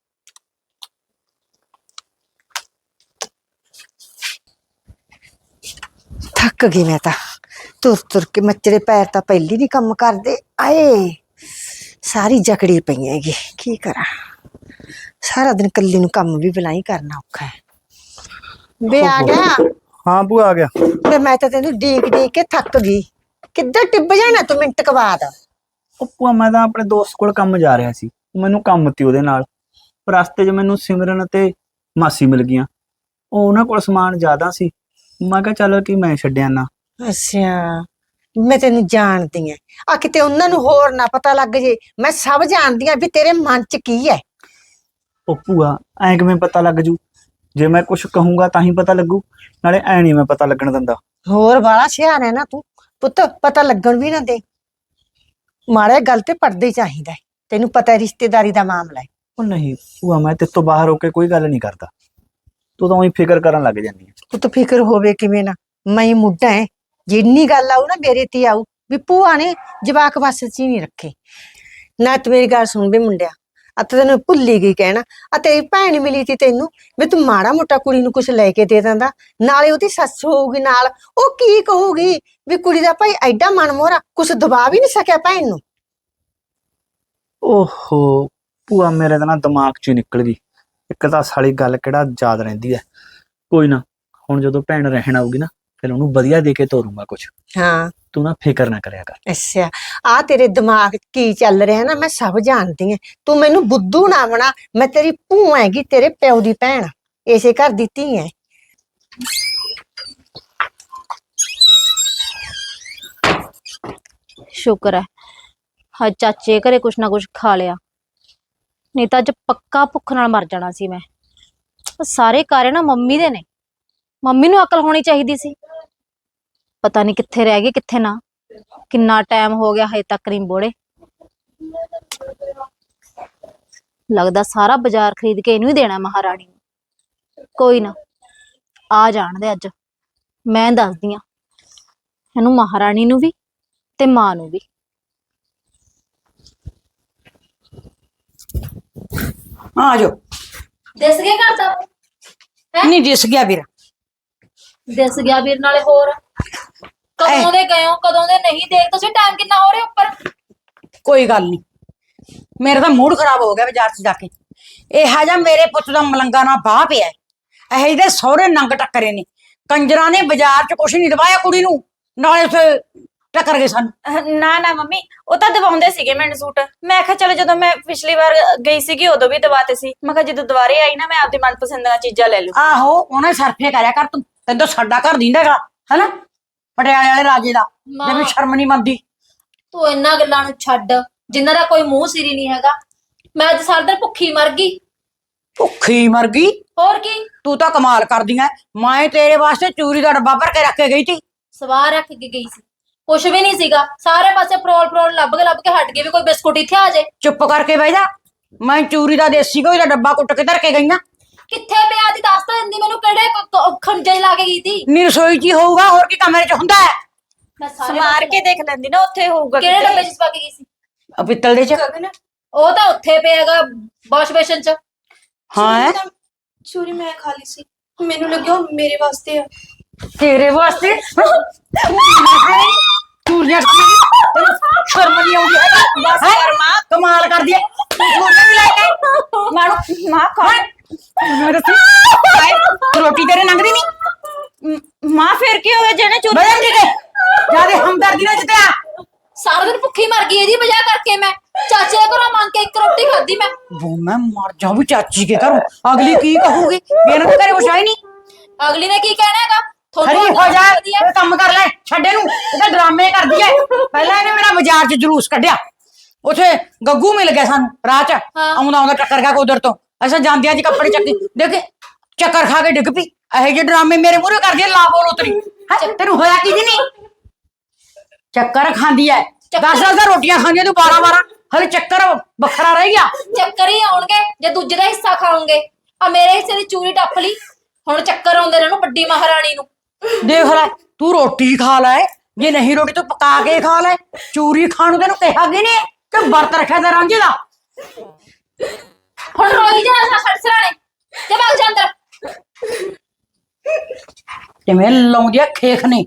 Speaker 7: ਥੱਕ ਗਈ ਮੈਂ ਤਾਂ ਤੁਰ ਤੁਰ ਕੇ। ਮੱਚਰੇ ਪੈਰ ਤਾਂ ਪਹਿਲੀ ਨਹੀਂ ਕੰਮ ਕਰਦੇ। ਆਏ ਸਾਰੀ ਜਕੜੀ ਪਈ ਹੈਗੀ, ਕੀ ਕਰਾਂ। ਸਾਰਾ ਦਿਨ ਕੱਲੀ ਨੂੰ ਕੰਮ ਵੀ ਬਲਾਈ ਕਰਨਾ ਔਖਾ ਹੈ। ਵੇ ਆ ਗਿਆ
Speaker 3: ਹਾਂ ਭੂਆ ਆ ਗਿਆ।
Speaker 7: ਵੇ ਮੈਂ ਤਾਂ ਤੈਨੂੰ ਡੀਕ ਡੀਕ ਕੇ ਥੱਕ ਗਈ। ਕਿੱਧਰ ਟਿੱਬ ਜਾਣਾ ਤੂੰ ਮਿੰਟ ਕੁ ਬਾਅਦ।
Speaker 3: ਉਹ ਭੂਆ ਮੈਂ ਤਾਂ ਆਪਣੇ ਦੋਸਤ ਕੋਲ ਕੰਮ ਜਾ ਰਿਹਾ ਸੀ, ਮੈਨੂੰ ਕੰਮ ਤੀ ਉਹਦੇ ਨਾਲ। ਰਸਤੇ 'ਚ ਮੈਨੂੰ ਸਿਮਰਨ ਤੇ ਮਾਸੀ ਮਿਲ ਗਈਆਂ। ਉਹ ਉਹਨਾਂ ਕੋਲ ਸਮਾਨ ਜ਼ਿਆਦਾ ਸੀ, ਮੈਂ ਕਿਹਾ ਚੱਲ ਕਿ ਮੈਂ ਛੱਡਿਆ ਨਾ।
Speaker 7: ਅੱਛਾ, ਮੈਂ ਤੈਨੂੰ ਜਾਣਦੀ ਐ। ਆ ਕਿਤੇ ਉਹਨਾਂ ਨੂੰ ਹੋਰ ਨਾ ਪਤਾ ਲੱਗ ਜੇ। ਮੈਂ ਸਭ ਜਾਣਦੀ ਆ ਵੀ ਤੇਰੇ ਮਨ 'ਚ ਕੀ ਹੈ।
Speaker 3: ਉਹ ਭੂਆ ਐਂ ਕਿਵੇਂ ਪਤਾ ਲੱਗ ਜੂ? ਜੇ ਮੈਂ ਕੁਝ ਕਹੂੰਗਾ ਤਾਂ ਹੀ ਪਤਾ ਲੱਗੂ, ਨਾਲੇ ਐ ਨਹੀਂ ਮੈਂ ਪਤਾ ਲੱਗਣ ਦਿੰਦਾ।
Speaker 7: ਹੋਰ ਵਾਲਾ ਸਿਆਣਾ ਹੈ ਨਾ ਤੂੰ ਪੁੱਤ, ਪਤਾ ਲੱਗਣ ਵੀ ਨਾ ਦੇ। ਮਾੜੇ ਗੱਲ ਤੇ ਪੜਦੇ ਹੀ ਚਾਹੀਦਾ ਹੈ। ਤੈਨੂੰ ਪਤਾ ਹੈ ਰਿਸ਼ਤੇਦਾਰੀ ਦਾ ਮਾਮਲਾ ਹੈ।
Speaker 3: ਉਹ ਨਹੀਂ ਭੂਆ, ਮੈਂ ਤੇਰੇ ਤੋਂ ਬਾਹਰ ਹੋ ਕੇ ਕੋਈ ਗੱਲ ਨਹੀਂ ਕਰਦਾ, ਤੂੰ ਤਾਂ ਉਹੀ ਫਿਕਰ ਕਰਨ ਲੱਗ ਜਾਂਦੀ ਹੈ।
Speaker 7: ਪੁੱਤ ਫਿਕਰ ਹੋਵੇ ਕਿਵੇਂ ਨਾ, ਮੈਂ ਹੀ ਮੁੱਢਾ ਹੈ। ਜਿੰਨੀ ਗੱਲ ਆਊ ਨਾ ਮੇਰੇ ਤੇ ਆਊ ਵੀ ਭੂਆ ਨੇ ਜਵਾਕ ਵੱਸ 'ਚ ਹੀ ਨਹੀਂ ਰੱਖੇ। ਨਾ ਤੂੰ ਮੇਰੀ ਗੱਲ ਸੁਣ ਵੀ ਮੁੰਡਿਆ, ਆ ਤਾਂ ਤੈਨੂੰ ਭੁੱਲ ਹੀ ਗਈ ਕਹਿਣਾ। ਆ ਤੇਰੀ ਭੈਣ ਮਿਲੀ ਤੀ ਤੈਨੂੰ, ਵੀ ਤੂੰ ਮਾੜਾ ਮੋਟਾ ਕੁੜੀ ਨੂੰ ਕੁਛ ਲੈ ਕੇ ਦੇ ਦਿੰਦਾ। ਨਾਲੇ ਉਹਦੀ ਸੱਸ ਹੋਊਗੀ ਨਾਲ, ਉਹ ਕੀ ਕਹੂਗੀ ਵੀ ਕੁੜੀ ਦਾ ਭਾਈ ਐਡਾ ਮਨ ਮੋਹਰਾ, ਕੁਛ ਦਬਾ ਵੀ ਨਹੀਂ ਸਕਿਆ ਭੈਣ ਨੂੰ।
Speaker 3: ਓਹੋ ਭੂਆ, ਮੇਰੇ ਤਾਂ ਨਾ ਦਿਮਾਗ 'ਚ ਹੀ ਨਿਕਲ ਗਈ। ਇੱਕ ਤਾਂ ਸਾਲੀ ਗੱਲ ਕਿਹੜਾ ਯਾਦ ਰਹਿੰਦੀ ਹੈ। ਕੋਈ ਨਾ, ਹੁਣ ਜਦੋਂ ਭੈਣ ਰਹਿਣ ਆਊਗੀ ਨਾ, ਫਿਰ ਉਹਨੂੰ ਵਧੀਆ ਦੇ ਕੇ ਤੋਰੂੰਗਾ ਕੁਛ।
Speaker 7: ਹਾਂ
Speaker 3: ਤੂੰ ਨਾ ਫਿਕਰ ਨਾ ਕਰਿਆ ਕਰ।
Speaker 7: ਅੱਛਾ, ਆ ਤੇਰੇ ਦਿਮਾਗ 'ਚ ਕੀ ਚੱਲ ਰਿਹਾ ਨਾ ਮੈਂ ਸਭ ਜਾਣਦੀ ਐ। ਤੂੰ ਮੈਨੂੰ ਬੁੱਧੂ ਨਾ ਬਣਾ। ਮੈਂ ਤੇਰੀ ਭੂਆ ਹੈਗੀ, ਤੇਰੇ ਪਿਓ ਦੀ ਭੈਣ, ਇਸੇ ਘਰ ਦੀ ਧੀ ਐ।
Speaker 5: ਸ਼ੁਕਰ ਹੈ ਹਾਂ ਚਾਚੇ ਘਰੇ ਕੁਛ ਨਾ ਕੁਛ ਖਾ ਲਿਆ, ਨਹੀਂ ਤਾਂ ਅੱਜ ਪੱਕਾ ਭੁੱਖ ਨਾਲ ਮਰ ਜਾਣਾ ਸੀ ਮੈਂ। ਉਹ ਸਾਰੇ ਕਾਰੇ ਨਾ ਮੰਮੀ ਦੇ ਨੇ। ਮੰਮੀ ਨੂੰ ਅਕਲ ਹੋਣੀ ਚਾਹੀਦੀ ਸੀ। ਪਤਾ ਨਹੀਂ ਕਿੱਥੇ ਰਹਿ ਗਏ ਕਿੱਥੇ ਨਾ। ਕਿੰਨਾ ਟਾਈਮ ਹੋ ਗਿਆ ਹਜੇ ਤੱਕ ਨਹੀਂ ਬੋੜੇ। ਲੱਗਦਾ ਸਾਰਾ ਬਾਜ਼ਾਰ ਖਰੀਦ ਕੇ ਇਹਨੂੰ ਹੀ ਦੇਣਾ ਮਹਾਰਾਣੀ ਨੂੰ। ਕੋਈ ਨਾ, ਆ ਜਾਣ ਦੇ ਅੱਜ, ਮੈਂ ਦੱਸਦੀ ਆ ਇਹਨੂੰ, ਮਹਾਰਾਣੀ ਨੂੰ ਵੀ ਤੇ ਮਾਂ ਨੂੰ ਵੀ।
Speaker 2: ਆ ਜਾਓ।
Speaker 5: ਦਿਸ ਗਿਆ ਘਰ ਦਾ?
Speaker 2: ਨਹੀਂ ਦਿਸ ਗਿਆ ਵੀਰ।
Speaker 5: ਦਿਸ ਗਿਆ ਵੀਰ, ਨਾਲੇ ਹੋਰ ਕਦੋਂ ਦੇ ਗਏ ਹੋ, ਕਦੋਂ ਦੇ ਨਹੀਂ। ਦੇਖ ਤੁਸੀਂ ਟਾਈਮ ਕਿੰਨਾ ਹੋ ਰਿਹਾ ਉੱਪਰ।
Speaker 2: ਕੋਈ ਗੱਲ ਨਹੀਂ, ਮੇਰਾ ਤਾਂ ਮੂਡ ਖਰਾਬ ਹੋ ਗਿਆ ਬਾਜ਼ਾਰ 'ਚ ਜਾ ਕੇ। ਇਹੋ ਜਿਹਾ ਮੇਰੇ ਪੁੱਤ ਦਾ ਮਲੰਗਾ ਨਾ ਬਾਹ ਪਿਆ। ਇਹੋ ਜਿਹੇ ਸਹੁਰੇ ਨੰਗ ਟੱਕਰੇ ਨੇ। ਕੰਜਰਾਂ ਨੇ ਬਾਜ਼ਾਰ 'ਚ ਕੁਛ ਨਹੀਂ ਦਵਾਇਆ ਕੁੜੀ ਨੂੰ, ਨਾਲੇ ਉੱਥੇ ਟੱਕਰ ਗਏ ਸਾਨੂੰ।
Speaker 1: ਨਾ ਨਾ ਮੰਮੀ, ਉਹ ਤਾਂ ਦਵਾਉਂਦੇ ਸੀਗੇ ਮੈਨੂੰ ਸੂਟ। ਮੈਂ ਕਿਹਾ ਚਲੋ, ਜਦੋਂ ਮੈਂ ਪਿਛਲੀ ਵਾਰ ਗਈ ਸੀਗੀ ਉਦੋਂ ਵੀ ਦਵਾਤੇ ਸੀ। ਮੈਂ ਕਿਹਾ ਜਦੋਂ ਦੁਬਾਰੇ ਆਈ ਨਾ, ਮੈਂ ਆਪਦੀ ਮਨਪਸੰਦ ਦੀਆਂ ਚੀਜ਼ਾਂ ਲੈ ਲੂ।
Speaker 2: ਆਹੋ, ਉਹਨੇ ਸਰਫੇ ਕਰਿਆ ਕਰ ਤੂੰ। ਤੈਨੂੰ ਤਾਂ ਸਾਡਾ ਘਰ ਦਿੰਦਾ ਹੈਗਾ, ਹਨਾ, ਪਟਿਆਲੇ ਵਾਲੇ ਰਾਜੇ ਦਾ। ਜੇ ਵੀ ਸ਼ਰਮ ਨਹੀਂ ਮੰਨਦੀ।
Speaker 5: ਤੂੰ ਇਹਨਾਂ ਗੱਲਾਂ ਨੂੰ ਛੱਡ ਜਿਨ੍ਹਾਂ ਦਾ ਕੋਈ ਮੂੰਹ ਸਿਰੀ ਨਹੀਂ ਹੈਗਾ। ਮੈਂ ਅੱਜ ਸਾਰਾ ਦਿਨ ਭੁੱਖੀ ਮਰ ਗਈ।
Speaker 2: ਭੁੱਖੀ ਮਰ ਗਈ?
Speaker 5: ਹੋਰ ਕੀ।
Speaker 2: ਤੂੰ ਤਾਂ ਕਮਾਲ ਕਰਦੀ ਐ। ਮੈਂ ਤੇਰੇ ਵਾਸਤੇ ਚੂਰੀ ਦਾ ਡੱਬਾ ਭਰ ਕੇ ਰੱਖ ਕੇ ਗਈ ਸੀ।
Speaker 5: ਸਵਾਰ ਰੱਖ ਕੇ ਗਈ ਸੀ, ਕੁਛ ਵੀ ਨਹੀਂ ਸੀਗਾ। ਸਾਰੇ ਪਾਸੇ ਫਰੋਲ ਫਰੋਲ ਲੱਭ ਕੇ ਹਟ ਗਏ ਵੀ ਕੋਈ ਬਿਸਕੁਟ ਇੱਥੇ ਆ ਜਾਏ।
Speaker 2: ਚੁੱਪ ਕਰਕੇ ਬਹਿ ਜਾ। ਮੈਂ ਚੂਰੀ ਦਾ ਦੇਸੀ ਘਿਓ ਦਾ ਡੱਬਾ ਕੁੱਟ ਕੇ ਧਰ ਕੇ ਗਈ ਆ।
Speaker 5: ਕਿੱਥੇ ਪਿਆ ਦੀ ਦੱਸ ਤਾਂ ਦਿੰਦੀ ਮੈਨੂੰ, ਕਿਹੜੇ ਖੰਜੇ ਲਾ ਕੇ ਗਈ ਸੀ।
Speaker 2: ਨੀ ਰਸੋਈ 'ਚ ਹੀ ਹੋਊਗਾ, ਹੋਰ ਕੀ ਕਮਰੇ 'ਚ ਹੁੰਦਾ ਹੈ?
Speaker 5: ਮੈਂ ਸਾਰੇ
Speaker 1: ਸਮਾਰ ਕੇ ਦੇਖ ਲੈਂਦੀ ਨਾ, ਉੱਥੇ ਹੋਊਗਾ।
Speaker 5: ਕਿਹੜੇ ਡੱਬੇ 'ਚ ਪਾ ਕੇ ਗਈ ਸੀ?
Speaker 2: ਆ ਪਿੱਤਲ ਦੇ 'ਚ।
Speaker 5: ਉਹ ਤਾਂ ਉੱਥੇ ਪਿਆਗਾ ਵਾਸ਼ ਬੇਸ਼ਨ 'ਚ।
Speaker 2: ਹਾਂ,
Speaker 4: ਚੂਰੀ ਮੈਂ ਖਾ ਲਈ ਸੀ, ਮੈਨੂੰ ਲੱਗਿਆ ਉਹ ਮੇਰੇ ਵਾਸਤੇ ਆ।
Speaker 2: ਤੇਰੇ ਵਾਸਤੇ ਚੂਰੀਆਂ ਸ਼ਰਮ ਨਹੀਂ ਆਉਂਦੀ ਹੈਗੀ।
Speaker 1: ਬਸ ਕਰ ਮਾਂ,
Speaker 2: ਕਮਾਲ ਕਰਦੀ ਐ। ਚੂਰੀਆਂ ਵੀ ਲੈ ਕੇ
Speaker 1: ਮਾਣੋ ਮਾਂ ਖਾ।
Speaker 2: ਰੋਟੀ ਤੇਰੇ ਲੰਘਦੀ ਨਹੀਂ।
Speaker 1: ਮਾਂ ਫਿਰ ਕੀ ਹੋਇਆ ਜਿਹਨੇ ਚੂਰੀ
Speaker 2: ਬਦਲ ਜੀ ਕੇ ਜਿਆਦੇ ਹਮਦਰਦੀ ਨਾਲ ਜਿੱਤਿਆ।
Speaker 5: ਸਾਰਾ ਦਿਨ ਭੁੱਖੀ ਮਰ ਗਈ ਇਹਦੀ ਵਜ੍ਹਾ ਕਰਕੇ। ਮੈਂ ਚਾਚੇ ਦੇ ਘਰੋਂ ਮੰਗ ਕੇ ਇੱਕ ਰੋਟੀ ਖਾਧੀ ਮੈਂ।
Speaker 2: वो मैं मर जाऊं चाची के घरों। अगली की कहूगी, मेरे तो घरे कुछ है नहीं।
Speaker 5: ਅਗਲੀ ਨੇ ਕੀ ਕਹਿਣਾ ਹੈਗਾ?
Speaker 2: खड़ी हो जा, ये काम कर ले। छड्डे नू ये ड्रामे कर दिए। पहला इन्हें मेरा बाजार च जुलूस कढ़िया। उथे गग्गू मिल गया सानू राह च। आउंदा आउंदा टक्कर गया उधर तो। असा जांदियां च कपड़े चक्की देखे चक्कर खा के डिग पई। ਇਹੋ ਜਿਹੇ ਡਰਾਮੇ ਮੇਰੇ ਮੂਹਰੇ ਕਰਦੀ ਐ। ਲਾ ਬੋਲ ਉਤਰੀ ਹੈ, ਤੈਨੂੰ ਹੋਇਆ ਕੀ ਨਹੀਂ? ਚੱਕਰ ਖਾਂਦੀ ਐ। 10-10 ਰੋਟੀਆਂ ਖਾਂਦੀ ਤੂੰ 12-12। ਹਲੇ ਚੱਕਰ ਵੱਖਰਾ ਰਹਿ ਗਿਆ।
Speaker 5: ਚੱਕਰ ਹੀ ਆਉਣਗੇ ਜੇ ਦੂਜੇ ਦਾ ਹਿੱਸਾ ਖਾਓਗੇ। ਆ ਮੇਰੇ ਹਿੱਸੇ ਦੀ ਚੂਰੀ ਟੱਪ ਲਈ, ਹੁਣ ਚੱਕਰ ਆਉਂਦੇ ਨੇ ਉਹਨੂੰ ਵੱਡੀ ਮਹਾਰਾਣੀ ਨੂੰ।
Speaker 2: ਦੇਖ ਲੈ, ਤੂੰ ਰੋਟੀ ਖਾ ਲੈ, ਜੇ ਨਹੀਂ ਰੋਟੀ ਤੂੰ ਪਕਾ ਕੇ ਖਾ ਲੈ। ਚੂਰੀ ਖਾਣ ਨੂੰ ਤੈਨੂੰ ਕਿਹਾ ਕਿ ਨਹੀਂ ਕਿ ਵਰਤ ਰੱਖਿਆ ਤੇ ਰਾਂਝੇ ਦਾ।
Speaker 5: ਹੁਣ ਰੋਈ ਜਾਣਾ ਸੜਸਰਾਣੇ ਤੇ ਭੱਗ ਜਾ ਅੰਦਰ।
Speaker 2: ਕਿਵੇਂ ਲਾਉਂਦੀ ਆ ਖੇਖ ਨੇ।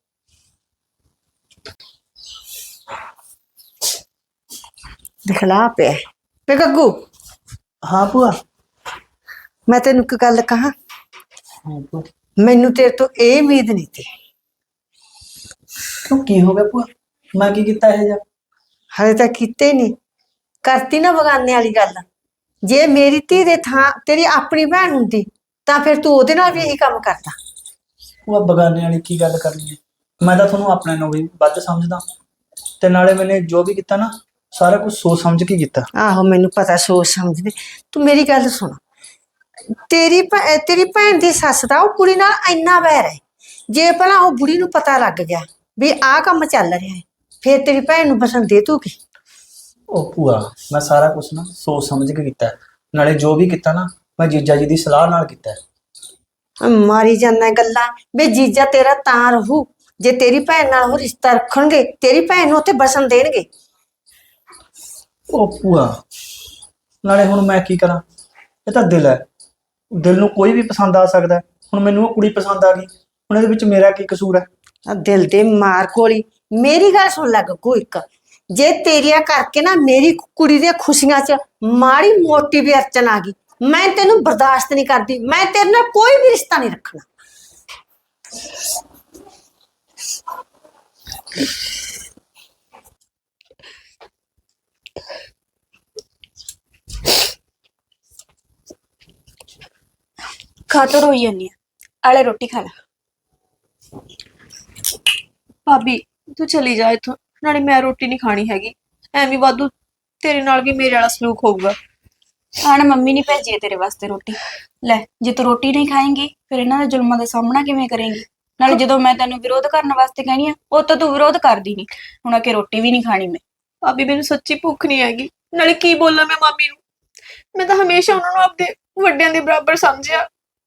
Speaker 7: ਦਿਖਲਾ ਪਿਆ ਤੇ ਗੱਗੂ,
Speaker 3: ਹਾਂ ਭੂਆ।
Speaker 7: ਮੈਂ ਤੈਨੂੰ ਇੱਕ ਗੱਲ ਕਹਾਂ,
Speaker 3: ਹਾਂ ਭੂਆ।
Speaker 7: ਮੈਨੂੰ ਤੇਰੇ ਤੋਂ ਇਹ ਉਮੀਦ ਨਹੀਂ ਸੀ।
Speaker 3: ਕਿਉਂ, ਕੀ ਹੋ ਗਿਆ ਭੂਆ? ਮੈਂ ਕੀ ਕੀਤਾ ਇਹ ਜਾ?
Speaker 7: ਹਲੇ ਤਾਂ ਕੀਤੇ ਨਹੀਂ, ਕਰਤੀ ਨਾ ਬਗਾਨੇ ਵਾਲੀ ਗੱਲ। ਜੇ ਮੇਰੀ ਧੀ ਦੇ ਥਾਂ ਤੇਰੀ ਆਪਣੀ ਭੈਣ ਹੁੰਦੀ ਤਾਂ ਫਿਰ ਤੂੰ ਉਹਦੇ ਨਾਲ ਵੀ ਇਹੀ ਕੰਮ ਕਰਦਾ।
Speaker 3: ਭੂਆ ਬਗਾਨੇ ਵਾਲੀ ਕੀ ਗੱਲ ਕਰਨੀ ਹੈ? ਮੈਂ ਤਾਂ ਤੁਹਾਨੂੰ ਆਪਣੇ ਨੂੰ ਵੀ ਵੱਧ ਸਮਝਦਾ, ਤੇ ਨਾਲੇ ਮੈਨੇ ਜੋ ਵੀ ਕੀਤਾ ਨਾ ਸਾਰਾ ਕੁਝ ਸੋਚ ਸਮਝ ਕੇ ਕੀਤਾ।
Speaker 7: ਆਹੋ ਮੈਨੂੰ ਪਤਾ, ਸੋਚ ਸਮਝਦੇ। ਤੂੰ ਮੇਰੀ ਗੱਲ ਸੁਣ, ਤੇਰੀ ਭੈਣ ਦੀ ਸੱਸ ਦਾ ਉਹ ਕੁੜੀ ਨਾਲ ਇੰਨਾ ਵੈਰ ਹੈ, ਜੇ ਭਲਾ ਉਹ ਬੁੜੀ ਨੂੰ ਪਤਾ ਲੱਗ ਗਿਆ ਵੀ ਆਹ ਕੰਮ ਚੱਲ ਰਿਹਾ ਹੈ, ਫਿਰ ਤੇਰੀ ਭੈਣ ਨੂੰ ਬਸਣ ਦੇ ਤੂੰ ਕੀ?
Speaker 3: ਉਹ ਭੂਆ, ਮੈਂ ਸਾਰਾ ਕੁਝ ਨਾ ਸੋਚ ਸਮਝ ਕੇ ਕੀਤਾ, ਨਾਲੇ ਜੋ ਵੀ ਕੀਤਾ ਨਾ ਮੈਂ ਜੀਜਾ ਜੀ ਦੀ ਸਲਾਹ ਨਾਲ ਕੀਤਾ।
Speaker 7: ਮਾਰੀ ਜਾਂਦਾ ਗੱਲਾਂ ਵੀ ਜੀਜਾ ਤੇਰਾ ਤਾਂ ਰਹੂ ਜੇ ਤੇਰੀ ਭੈਣ ਨਾਲ ਉਹ ਰਿਸ਼ਤਾ ਰੱਖਣਗੇ, ਤੇਰੀ ਭੈਣ ਨੂੰ ਉੱਥੇ ਬਸਣ ਦੇਣਗੇ।
Speaker 3: ਉਹ ਭੂਆ, ਨਾਲੇ ਹੁਣ ਮੈਂ ਕੀ ਕਰਾਂ? ਇਹ ਤਾਂ ਦਿਲ ਹੈ, ਦਿਲ ਨੂੰ ਕੋਈ ਵੀ ਪਸੰਦ ਆ ਸਕਦਾ ਹੈ। ਹੁਣ ਮੈਨੂੰ ਉਹ ਕੁੜੀ ਪਸੰਦ ਆ ਗਈ, ਹੁਣ ਇਹਦੇ ਵਿੱਚ ਮੇਰਾ ਕੀ ਕਸੂਰ ਹੈ?
Speaker 7: ਆ ਦਿਲ ਦੇ ਮਾਰ ਗੋਲੀ। ਮੇਰੀ ਗੱਲ ਸੁਣ ਲੱਗ ਗੋ ਇੱਕ, ਜੇ ਤੇਰੀਆਂ ਕਰਕੇ ਨਾ ਮੇਰੀ ਕੁੜੀ ਦੀਆਂ ਖੁਸ਼ੀਆਂ 'ਚ ਮਾੜੀ ਮੋਟੀ ਵੀ ਅੜਚਨ ਆ ਗਈ, ਮੈਂ ਤੈਨੂੰ ਬਰਦਾਸ਼ਤ ਨਹੀਂ ਕਰਦੀ। ਮੈਂ ਤੇਰੇ ਨਾਲ ਕੋਈ ਵੀ ਰਿਸ਼ਤਾ ਨਹੀਂ ਰੱਖਣਾ।
Speaker 1: ਖਾ ਤੋ ਰੋਈ ਜਾਂਦੀ ਆ, ਆਲੇ ਰੋਟੀ ਖਾ ਲੈ।
Speaker 4: ਭਾਬੀ ਤੂੰ ਚਲੀ ਜਾ ਇੱਥੋਂ, ਨਾਲੇ ਮੈਂ ਰੋਟੀ ਨਹੀਂ ਖਾਣੀ ਹੈਗੀ। ਐਵੇਂ ਵਾਧੂ ਤੇਰੇ ਨਾਲ ਵੀ ਮੇਰੇ ਵਾਲਾ ਸਲੂਕ ਹੋਊਗਾ।
Speaker 1: ਆਣ ਮੰਮੀ ਨੇ ਭੇਜੀ ਹੈ ਤੇਰੇ ਵਾਸਤੇ ਰੋਟੀ। ਲੈ, ਜੇ ਤੂੰ ਰੋਟੀ ਨਹੀਂ ਖਾਏਂਗੀ ਫਿਰ ਇਹਨਾਂ ਦੇ ਜ਼ੁਲਮਾਂ ਦਾ ਸਾਹਮਣਾ ਕਿਵੇਂ ਕਰੇਂਗੀ? ਨਾਲੇ ਜਦੋਂ ਮੈਂ ਤੈਨੂੰ ਵਿਰੋਧ ਕਰਨ ਵਾਸਤੇ ਕਹਿਣੀ ਆ, ਉਹ ਤਾਂ ਤੂੰ ਵਿਰੋਧ ਕਰਦੀ ਨਹੀਂ। ਹੁਣ ਆ ਕੇ ਰੋਟੀ ਵੀ ਨਹੀਂ ਖਾਣੀ ਮੈਂ।
Speaker 4: ਭਾਬੀ ਮੈਨੂੰ ਸੱਚੀ ਭੁੱਖ ਨਹੀਂ ਹੈਗੀ, ਨਾਲੇ ਕੀ ਬੋਲਾਂ ਮੈਂ ਮਾਮੀ ਨੂੰ? ਮੈਂ ਤਾਂ ਹਮੇਸ਼ਾ ਉਹਨਾਂ ਨੂੰ ਆਪਦੇ ਵੱਡਿਆਂ ਦੇ ਬਰਾਬਰ ਸਮਝਿਆ।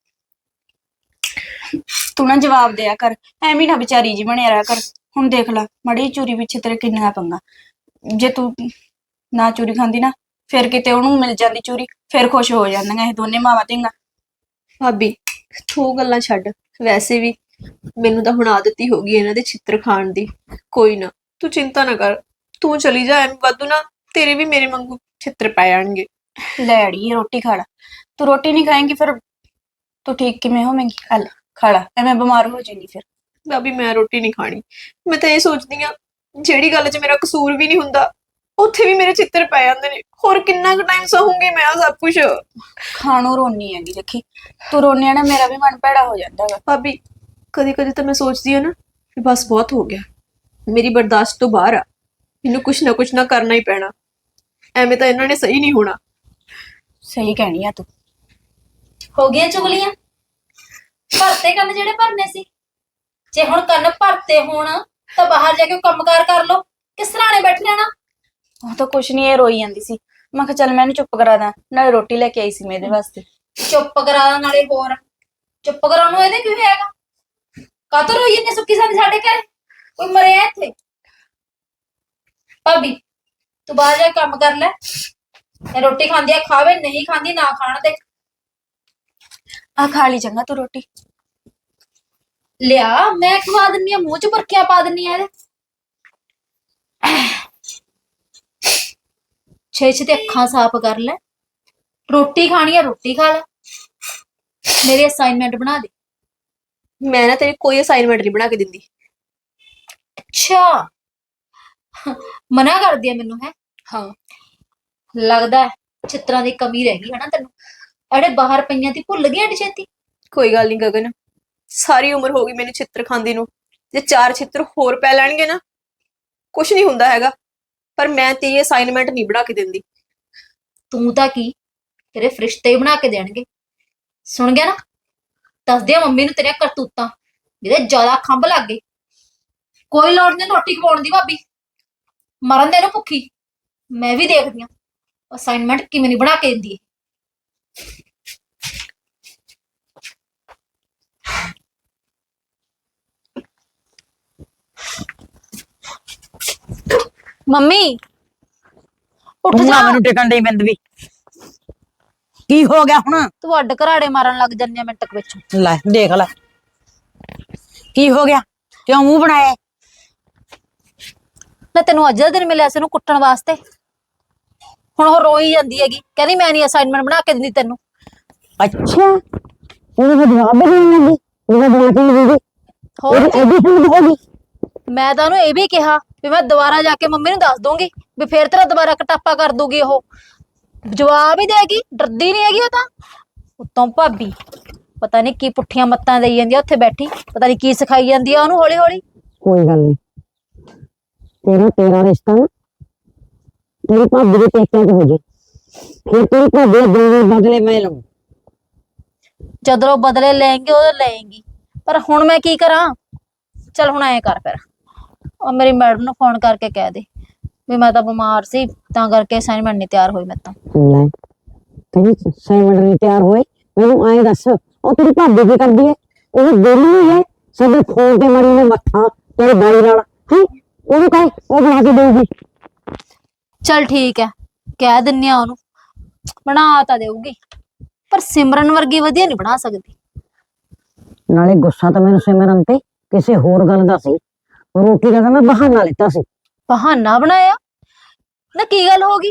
Speaker 1: ਤੂੰ ਨਾ ਜਵਾਬ ਦਿਆ ਕਰ, ਐਵੇਂ ਨਾ ਵਿਚਾਰੀ ਜੀ ਬਣਿਆ ਰਿਹਾ ਕਰ। ਹੁਣ ਦੇਖ ਲੈ, ਮੜੀ ਚੂਰੀ ਪਿੱਛੇ ਤੇਰੇ ਕਿੰਨਾ ਪੰਗਾ। ਜੇ ਤੂੰ ਨਾ ਚੂਰੀ ਖਾਂਦੀ ਨਾ, ਫਿਰ ਕਿਤੇ ਉਹਨੂੰ ਮਿਲ ਜਾਂਦੀ ਚੂਰੀ, ਫਿਰ ਖੁਸ਼ ਹੋ ਜਾਂਦੀਆਂ ਇਹ ਦੋਨੇ ਮਾਵਾਂ ਧੀਆਂ।
Speaker 4: ਭਾਬੀ ਤੂੰ ਗੱਲਾਂ ਛੱਡ, ਵੈਸੇ ਵੀ ਮੈਨੂੰ ਤਾਂ ਹੁਣ ਆਦਤ ਹੀ ਹੋ ਗਈ ਇਹਨਾਂ ਦੇ ਛਿੱਤਰ ਖਾਣ ਦੀ। ਕੋਈ ਨਾ, ਤੂੰ ਚਿੰਤਾ ਨਾ ਕਰ, ਤੂੰ ਚਲੀ ਜਾ। ਐਵੇਂ ਵਾਧੂ ਨਾ ਤੇਰੇ ਵੀ ਮੇਰੇ ਵਾਂਗੂ ਛਿੱਤਰ ਪੈ ਜਾਣਗੇ।
Speaker 1: ਲੈ ਅੜੀਏ ਰੋਟੀ ਖਾ ਲਾ। ਤੂੰ ਰੋਟੀ ਨਹੀਂ ਖਾਏਂਗੀ ਫਿਰ ਤੂੰ ਠੀਕ ਕਿਵੇਂ ਹੋਵੇਂਗੀ? ਹਲ ਖਾ ਲਾ, ਐਵੇਂ ਬਿਮਾਰ ਹੋ ਜਾਏਂਗੀ ਫਿਰ।
Speaker 4: ਭਾਬੀ ਮੈਂ ਰੋਟੀ ਨਹੀਂ ਖਾਣੀ। ਮੈਂ ਤਾਂ ਇਹ ਸੋਚਦੀ ਆ, ਜਿਹੜੀ ਗੱਲ 'ਚ ਮੇਰਾ ਕਸੂਰ ਵੀ ਨਹੀਂ ਹੁੰਦਾ ਉੱਥੇ ਵੀ ਮੇਰੇ ਛਿੱਤਰ ਪੈ ਜਾਂਦੇ ਨੇ। ਹੋਰ ਕਿੰਨਾ ਕੁ ਟਾਈਮ ਸਹੂੰਗੀ ਮੈਂ ਆ ਸਭ ਕੁਝ?
Speaker 1: ਖਾਣੋਂ ਰੋਣੀ ਹੈਗੀ, ਦੇਖੀ ਤੂੰ ਰੋਣੀ ਆ ਨਾ ਮੇਰਾ ਵੀ ਮਨ ਭੈੜਾ ਹੋ ਜਾਂਦਾ ਵਾ।
Speaker 4: ਭਾਬੀ ਕਦੇ ਕਦੇ ਤਾਂ ਮੈਂ ਸੋਚਦੀ ਆ ਨਾ ਵੀ ਬਸ ਬਹੁਤ ਹੋ ਗਿਆ, ਮੇਰੀ ਬਰਦਾਸ਼ਤ ਤੋਂ ਬਾਹਰ ਆ, ਮੈਨੂੰ ਕੁਛ ਨਾ ਕਰਨਾ ਹੀ ਪੈਣਾ। ਐਵੇਂ ਤਾਂ ਇਹਨਾਂ ਨੇ ਸਹੀ ਨਹੀਂ ਹੋਣਾ।
Speaker 1: ਸਹੀ ਕਹਿਣੀ ਆ ਤੂੰ।
Speaker 5: ਹੋ ਗਈਆਂ ਚੁਗਲੀਆਂ? ਭਰਤੇ ਕੰਨ ਜਿਹੜੇ ਭਰਨੇ ਸੀ। ਜੇ ਹੁਣ ਕੰਨ ਭਰਤੇ ਹੋਣ ਤਾਂ ਬਾਹਰ ਜਾ ਕੇ ਕੰਮਕਾਰ ਕਰ ਲੋ, ਕਿਸ ਸਰਾਣੇ ਬੈਠ ਰਹਿਣਾ?
Speaker 1: ਉਹ ਤਾਂ ਕੁਛ ਨਹੀਂ, ਇਹ ਰੋਈ ਜਾਂਦੀ ਸੀ। ਮੈਂ ਕਿਹਾ ਚੱਲ ਮੈਂ ਇਹਨੂੰ ਚੁੱਪ ਕਰਾ ਦਾਂ, ਨਾਲੇ ਰੋਟੀ ਲੈ ਕੇ ਆਈ ਸੀ ਮੈਂ ਇਹਦੇ ਵਾਸਤੇ।
Speaker 5: ਚੁੱਪ ਕਰਾ ਨਾਲੇ ਹੋਰ ਚੁੱਪ ਕਰਾਉਣ ਨੂੰ ਇਹਦੇ ਕੀ ਹੋਏਗਾ? ਕਾਤੋਂ ਰੋਈ ਜਾਂਦੀ ਸੁੱਕੀ ਸਾਂਦੀ ਸਾਡੇ ਘਰ? ਕੋਈ ਮਰਿਆ ਇੱਥੇ? ਭਾਬੀ ਤੂੰ ਬਾਹਰ ਜਾ ਕੇ ਕੰਮ ਕਰ ਲੈ। ਇਹ ਰੋਟੀ ਖਾਂਦੀ ਆ ਖਾਵੇ, ਨਹੀਂ ਖਾਂਦੀ ਨਾ ਖਾਣ ਦੇ।
Speaker 1: ਆ ਖਾ ਲਈ ਚੰਗਾ ਤੂੰ ਰੋਟੀ।
Speaker 5: ਲਿਆ ਮੈਂ ਖਵਾ ਦਿੰਨੀ ਆ, ਮੂੰਹ ਚ ਬਰਕੀਆਂ ਪਾ ਦਿੰਨੀ ਆ ਇਹਦੇ। ਛੇ ਛੇ ਤੇ ਅੱਖਾਂ ਸਾਫ਼ ਕਰ ਲੈ। ਰੋਟੀ ਖਾਣੀ ਆ ਰੋਟੀ ਖਾ ਲੈ, ਮੇਰੇ ਅਸਾਈਨਮੈਂਟ ਬਣਾ ਦੇ।
Speaker 4: ਮੈਂ ਨਾ ਤੇਰੀ ਕੋਈ ਅਸਾਈਨਮੈਂਟ ਨਹੀਂ ਬਣਾ ਕੇ ਦਿੰਦੀ।
Speaker 5: ਅੱਛਾ ਮਨਾ ਕਰਦੀ ਆ ਮੈਨੂੰ? ਹੈ
Speaker 4: ਹਾਂ
Speaker 5: ਲੱਗਦਾ ਹੈ ਚਿੱਤਰਾਂ ਦੀ ਕਮੀ ਰਹਿ ਗਈ ਹੈ ਨਾ ਤੈਨੂੰ। ਅੜੇ ਬਾਹਰ ਪਈਆਂ ਤੀ ਭੁੱਲ ਗਈ ਐਡੀ ਛੇਤੀ?
Speaker 4: ਕੋਈ ਗੱਲ ਨਹੀਂ ਗਗਨ, ਸਾਰੀ ਉਮਰ ਹੋ ਗਈ ਮੈਨੂੰ ਛਿੱਤਰ ਖਾਂਦੀ ਨੂੰ। ਜੇ 4 ਛਿੱਤਰ ਹੋਰ ਪੈ ਲੈਣਗੇ ਨਾ ਕੁਝ ਨਹੀਂ ਹੁੰਦਾ ਹੈਗਾ, ਪਰ ਮੈਂ ਤੇਰੀ ਅਸਾਈਨਮੈਂਟ ਨਹੀਂ ਬਣਾ ਕੇ ਦਿੰਦੀ।
Speaker 5: ਤੂੰ ਤਾਂ ਕੀ, ਤੇਰੇ ਫਰਿਸ਼ਤੇ ਹੀ ਬਣਾ ਕੇ ਦੇਣਗੇ। ਸੁਣ ਗਿਆ ਨਾ? ਦੱਸਦੇ ਆ ਮੰਮੀ ਨੂੰ ਤੇਰੀਆਂ ਕਰਤੂਤਾਂ, ਜਿਹਦੇ ਜ਼ਿਆਦਾ ਖੰਭ ਲੱਗ ਗਏ। ਕੋਈ ਲੋੜ ਨਹੀਂ ਰੋਟੀ ਖਵਾਉਣ ਦੀ ਭਾਬੀ, ਮਰਨ ਦੇ ਨੂੰ ਭੁੱਖੀ। ਮੈਂ ਵੀ ਦੇਖਦੀ ਆ ਅਸਾਈਨਮੈਂਟ ਕਿਵੇਂ ਨਹੀਂ ਬਣਾ ਕੇ ਦਿੰਦੀ। ਮੰਮੀ ਉੱਠ
Speaker 2: ਤੂੰ
Speaker 5: ਜਾ।
Speaker 2: ਨਾ ਮੈਨੂੰ ਟਿਕਣ ਦੇ ਬਿੰਦ ਵੀ। ਕੀ ਹੋ ਗਿਆ ਹੁਣ?
Speaker 5: ਤੂੰ ਅੱਡ ਘਰਾੜੇ ਮਾਰਨ ਲੱਗ ਜੰਨੇ ਮਿੰਟ ਕੁ ਵਿੱਚ।
Speaker 2: ਲੈ ਦੇਖ ਲੈ ਕੀ ਹੋ ਗਿਆ, ਕਿਉਂ ਮੂੰਹ ਬਣਾਇਆ?
Speaker 5: ਨਾ ਤੈਨੂੰ ਅੱਜ ਦਾ ਦਿਨ ਮਿਲਿਆ ਸੀ ਉਹਨੂੰ ਕੁੱਟਣ ਵਾਸਤੇ। ਹੁਣ ਉਹ ਰੋਈ ਜਾਂਦੀ ਹੈਗੀ, ਕਹਿੰਦੀ ਮੈਂ ਨਹੀਂ ਅਸਾਈਨਮੈਂਟ ਬਣਾ ਕੇ ਦਿੰਦੀ ਤੈਨੂੰ।
Speaker 2: ਅੱਛਾ ਉਹਨੂੰ ਫਿਰ ਜਵਾਬ ਵੀ ਦੇਣ ਲੱਗੀ, ਉਹਨੇ ਬਣਾ ਕੇ ਨਹੀਂ ਦਿੱਤੀ।
Speaker 5: ਹੋਰ
Speaker 2: ਐਡੀ ਹਿੰਮਤ ਹੋ ਗਈ?
Speaker 5: ਮੈਂ ਤਾਂ ਉਹਨੂੰ ਇਹ ਵੀ ਕਿਹਾ ਵੀ ਮੈਂ ਦੁਬਾਰਾ ਜਾ ਕੇ ਮੰਮੀ ਨੂੰ ਦੱਸ ਦੂੰਗੀ ਵੀ ਫੇਰ ਤੇਰਾ ਦੁਬਾਰਾ ਕਟਾਪਾ ਕਰ ਦੂਗੀ। ਉਹ ਜਵਾਬ ਹੀ ਦੇਗੀ, ਡਰਦੀ ਨਹੀਂ ਹੈਗੀ ਉਹ ਤਾਂ। ਉੱਤੋਂ ਭਾਬੀ ਪਤਾ ਨਹੀਂ ਕੀ ਪੁੱਠੀਆਂ ਮੱਤਾਂ ਦੇਈ ਜਾਂਦੀ ਆ ਉੱਥੇ ਬੈਠੀ, ਪਤਾ ਨਹੀਂ ਕੀ ਸਿਖਾਈ ਜਾਂਦੀ ਆ ਉਹਨੂੰ ਹੌਲੀ ਹੌਲੀ।
Speaker 2: ਕੋਈ ਗੱਲ ਨਹੀਂ, ਤੇਰਾ ਰਿਸ਼ਤਾ ਨਾ ਤੇਰੀ ਭਾਬੀ ਦੇ ਪੇਕਿਆਂ ਚ ਹੋ ਜੇ, ਫਿਰ ਤੇਰੀ ਭਾਬੀ ਦੇ ਦੋਵੇਂ ਬਦਲੇ ਮੈਂ ਲਵਾਂ।
Speaker 5: ਜਦੋਂ ਉਹ ਬਦਲੇ ਲੈਣਗੇ ਉਹ ਲੈਣਗੀ, ਪਰ ਹੁਣ ਮੈਂ ਕੀ ਕਰਾਂ? ਚਲ ਹੁਣ ਐਂ ਕਰ ਫਿਰ, ਉਹ ਮੇਰੀ ਮੈਡਮ ਨੂੰ ਫੋਨ ਕਰਕੇ ਕਹਿ ਦੇ ਵੀ ਮੈਂ ਤਾਂ ਬਿਮਾਰ ਸੀ ਤਾਂ ਕਰਕੇ ਅਸਾਈਨਮੈਂਟ ਨਹੀਂ ਤਿਆਰ ਹੋਈ ਮੇਰੇ ਤੋਂ।
Speaker 2: ਲੈ ਕਹਿੰਦੀ ਅਸਾਈਨਮੈਂਟ ਨਹੀਂ ਤਿਆਰ ਹੋਏ, ਮੈਨੂੰ ਐਂ ਦੱਸ ਉਹ ਤੇਰੀ ਭਾਬੀ ਕੀ ਕਰਦੀ ਹੈ? ਉਹ ਵਿਹਲੀ ਹੈ, ਸਾਡੇ ਫੋਨ ਤੇ ਮਰੀ ਨੇ ਮੱਥਾ ਤੇਰੇ ਬਾਈ ਨਾਲ ਹੈ, ਉਹਨੂੰ ਕਹੇ ਉਹ ਬਣਾ ਕੇ ਦੇਊਗੀ।
Speaker 5: ਚਲ ਠੀਕ ਹੈ, ਕਹਿ ਦਿੰਨੀ ਆ ਉਹਨੂੰ, ਬਣਾ ਤਾਂ ਦੇਊਗੀ ਪਰ ਸਿਮਰਨ ਵਰਗੀ ਵਧੀਆ ਨਹੀਂ ਬਣਾ ਸਕਦੀ।
Speaker 2: ਨਾਲੇ ਗੁੱਸਾ ਤਾਂ ਮੈਨੂੰ ਸਿਮਰਨ ਤੇ ਕਿਸੇ ਹੋਰ ਗੱਲ ਦਾ ਸੀ, ਰੋਟੀ ਦਾ ਤਾਂ ਮੈਂ ਬਹਾਨਾ ਲਿੱਤਾ ਸੀ।
Speaker 5: ਬਹਾਨਾ ਬਣਾਇਆ? ਨਾ ਕੀ ਗੱਲ ਹੋ ਗਈ?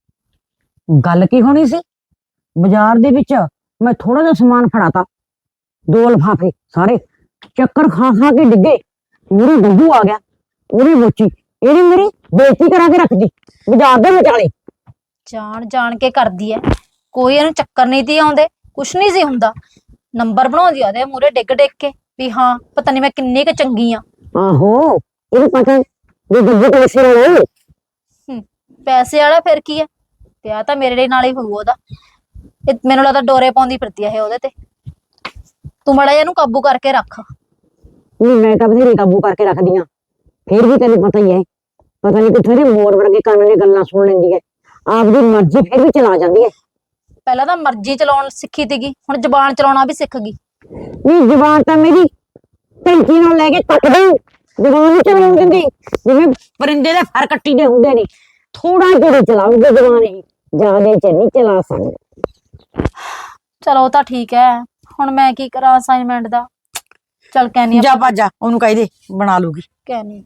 Speaker 2: ਗੱਲ ਕੀ ਹੋਣੀ ਸੀ, ਬਾਜ਼ਾਰ ਦੇ ਵਿੱਚ ਮੈਂ ਥੋੜਾ ਜਿਹਾ ਸਮਾਨ ਫੜਾਤਾ, 2 ਲਿਫਾਫੇ ਸਾਰੇ ਚੱਕਰ ਖਾ ਖਾ ਕੇ ਡਿੱਗੇ, ਮੇਰੀ ਗੱਗੂ ਆ ਗਿਆ, ਉਹਦੀ ਮੋਚੀ ਇਹਨੇ ਮੇਰੀ ਬੇਇੱਜ਼ਤੀ ਕਰਾ ਕੇ ਰੱਖਦੀ ਬਾਜ਼ਾਰ ਦੇ ਵਿਚਾਲੇ।
Speaker 5: ਜਾਣ ਜਾਣ ਕੇ ਕਰਦੀ ਐ, ਕੋਈ ਇਹਨੂੰ ਚੱਕਰ ਨਹੀਂ ਤੀ ਆਉਂਦੇ, ਕੁਛ ਨਹੀਂ ਸੀ ਹੁੰਦਾ। ਨੰਬਰ ਬਣਾਉਂਦੀ ਆ ਉਹਦੇ ਮੂਹਰੇ ਡਿੱਗ ਡਿੱਗ ਕੇ ਵੀ ਹਾਂ ਪਤਾ ਨਹੀਂ ਮੈਂ ਕਿੰਨੀ ਕੁ ਚੰਗੀ ਆ।
Speaker 2: ਆਹੋ ਇਹਨੂੰ ਪਤਾ ਵੀ ਗੱਗੂ ਪੈਸੇ ਵਾਲਾ
Speaker 5: ਪੈਸੇ ਵਾਲਾ ਫਿਰ ਕੀ ਐ, ਵਿਆਹ ਤਾਂ ਮੇਰੇ ਨਾਲ ਹੀ ਹੋਊ ਉਹਦਾ। ਇਹ ਮੈਨੂੰ ਲੱਗਦਾ ਡੋਰੇ ਪਾਉਂਦੀ ਫਿਰਦੀ ਆ ਇਹ ਉਹਦੇ ਤੇ। ਤੂੰ ਮੜਾ ਇਹਨੂੰ ਕਾਬੂ ਕਰਕੇ ਰੱਖ।
Speaker 2: ਨਹੀਂ ਮੈਂ ਤਾਂ ਬਥੇਰੀ ਕਾਬੂ ਕਰਕੇ ਰੱਖਦੀ ਆ, ਫਿਰ ਵੀ ਤੈਨੂੰ ਪਤਾ ਹੀ ਹੈ, ਪਤਾ ਨਹੀਂ ਕਿੱਥੇ ਦੇ ਮੋਰ ਵਰਗੇ ਕੰਨ ਦੀਆਂ ਗੱਲਾਂ ਸੁਣ ਲੈਂਦੀ ਹੈ, ਆਪਦੀ ਮਰਜ਼ੀ ਫਿਰ ਵੀ ਚਲਾ ਜਾਂਦੀ ਹੈ।
Speaker 5: ਪਹਿਲਾਂ ਤਾਂ ਮਰਜ਼ੀ ਚਲਾਉਣ ਸਿੱਖੀ ਸੀਗੀ, ਹੁਣ ਜ਼ਬਾਨ ਚਲਾਉਣਾ ਵੀ ਸਿੱਖ ਗਈ।
Speaker 2: ਨਹੀਂ ਜ਼ਬਾਨ ਤਾਂ ਮੇਰੀ ਟੈਂਕੀ ਨਾਲ ਲੈ ਕੇ ਕੱਟਦੀ, ਜ਼ਬਾਨ ਨਹੀਂ ਚਲਾਉਣ ਦਿੰਦੀ, ਜਿਵੇਂ ਪਰਿੰਦੇ ਦੇ ਫਰ ਕੱਟੀ ਦੇ ਹੁੰਦੇ ਨੇ, ਥੋੜਾ ਜਿਹਾ ਚਲਾਉਂਦੇ ਜ਼ਬਾਨ ਹੀ, ਜ਼ਿਆਦਾ ਚ ਨਹੀਂ ਚਲਾ ਸਕਦੇ।
Speaker 5: ਚਲੋ ਉਹ ਤਾਂ ਠੀਕ ਹੈ, ਹੁਣ ਮੈਂ ਕੀ ਕਰਾਂ ਅਸਾਈਨਮੈਂਟ ਦਾ। ਚਲ ਕਹਿਨੀ
Speaker 2: ਜਾ ਭਾਜਾ ਉਹਨੂੰ ਕਹਿ ਦੇ ਬਣਾ ਲੂਗੀ।
Speaker 5: ਕਹਿਨੀ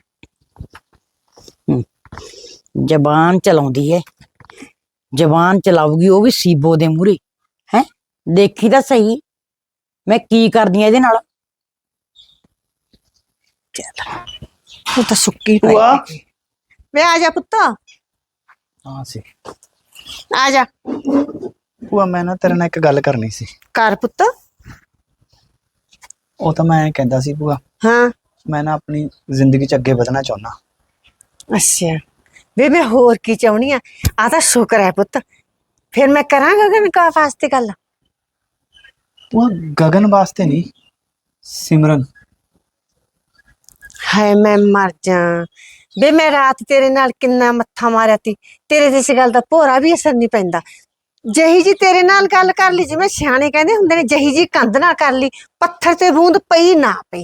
Speaker 2: ਜ਼ਬਾਨ ਚਲਾਉਂਦੀ ਹੈ, ਜ਼ਬਾਨ ਚਲਾਉਗੀ ਉਹ ਵੀ ਸੀਬੋ ਦੇ ਮੂਹਰੇ ਹੈ, ਦੇਖੀ ਤਾਂ ਸਹੀ ਮੈਂ ਕੀ ਕਰਦੀ ਆ ਇਹਦੇ ਨਾਲ।
Speaker 7: ਉਹ ਤਾਂ ਸੁੱਕੀ ਪਈ
Speaker 3: ਭੂਆ।
Speaker 7: ਵੇ ਆ ਜਾ ਪੁੱਤ,
Speaker 3: ਹਾਂ ਸੀ
Speaker 7: ਆ ਜਾ।
Speaker 3: ਭੂਆ, ਮੈਂ ਨਾ ਤੇਰੇ ਨਾਲ ਇੱਕ ਗੱਲ ਕਰਨੀ ਸੀ।
Speaker 7: ਕਰ ਪੁੱਤ।
Speaker 3: ਉਹ ਤਾਂ ਮੈਂ ਕਹਿੰਦਾ ਸੀ ਭੂਆ,
Speaker 7: ਹਾਂ
Speaker 3: ਮੈਂ ਨਾ ਆਪਣੀ ਜ਼ਿੰਦਗੀ 'ਚ ਅੱਗੇ ਵਧਣਾ ਚਾਹੁੰਦਾ।
Speaker 7: ਅੱਛਾ ਵੇ ਮੈਂ ਹੋਰ ਕੀ ਚਾਹੁੰਦੀ ਆ ਤਾਂ ਸ਼ੁਕਰ ਹੈ ਪੁੱਤ, ਫਿਰ ਮੈਂ ਕਰਾਂਗਾ ਗਗਨ ਕਾ ਵਾਸਤੇ ਗੱਲ।
Speaker 3: ਭੂਆ ਗਗਨ ਵਾਸਤੇ ਨਹੀਂ, ਸਿਮਰਨ।
Speaker 7: ਹਾਏ ਮੈਂ ਮਰ ਜਾ ਵੇ, ਮੈਂ ਰਾਤ ਤੇਰੇ ਨਾਲ ਕਿੰਨਾ ਮੱਥਾ ਮਾਰਿਆ ਤੀ, ਤੇਰੇ ਤੇ ਇਸ ਗੱਲ ਦਾ ਭੋਰਾ ਵੀ ਅਸਰ ਨਹੀਂ ਪੈਂਦਾ। ਜਹੀ ਜੀ ਤੇਰੇ ਨਾਲ ਗੱਲ ਕਰ ਲਈ, ਜਿਵੇਂ ਸਿਆਣੇ ਕਹਿੰਦੇ ਹੁੰਦੇ ਨੇ, ਜਹੀ ਜੀ ਕੰਧ ਨਾਲ ਕਰ ਲਈ, ਪੱਥਰ ਤੇ ਬੂੰਦ ਪਈ ਨਾ ਪਈ।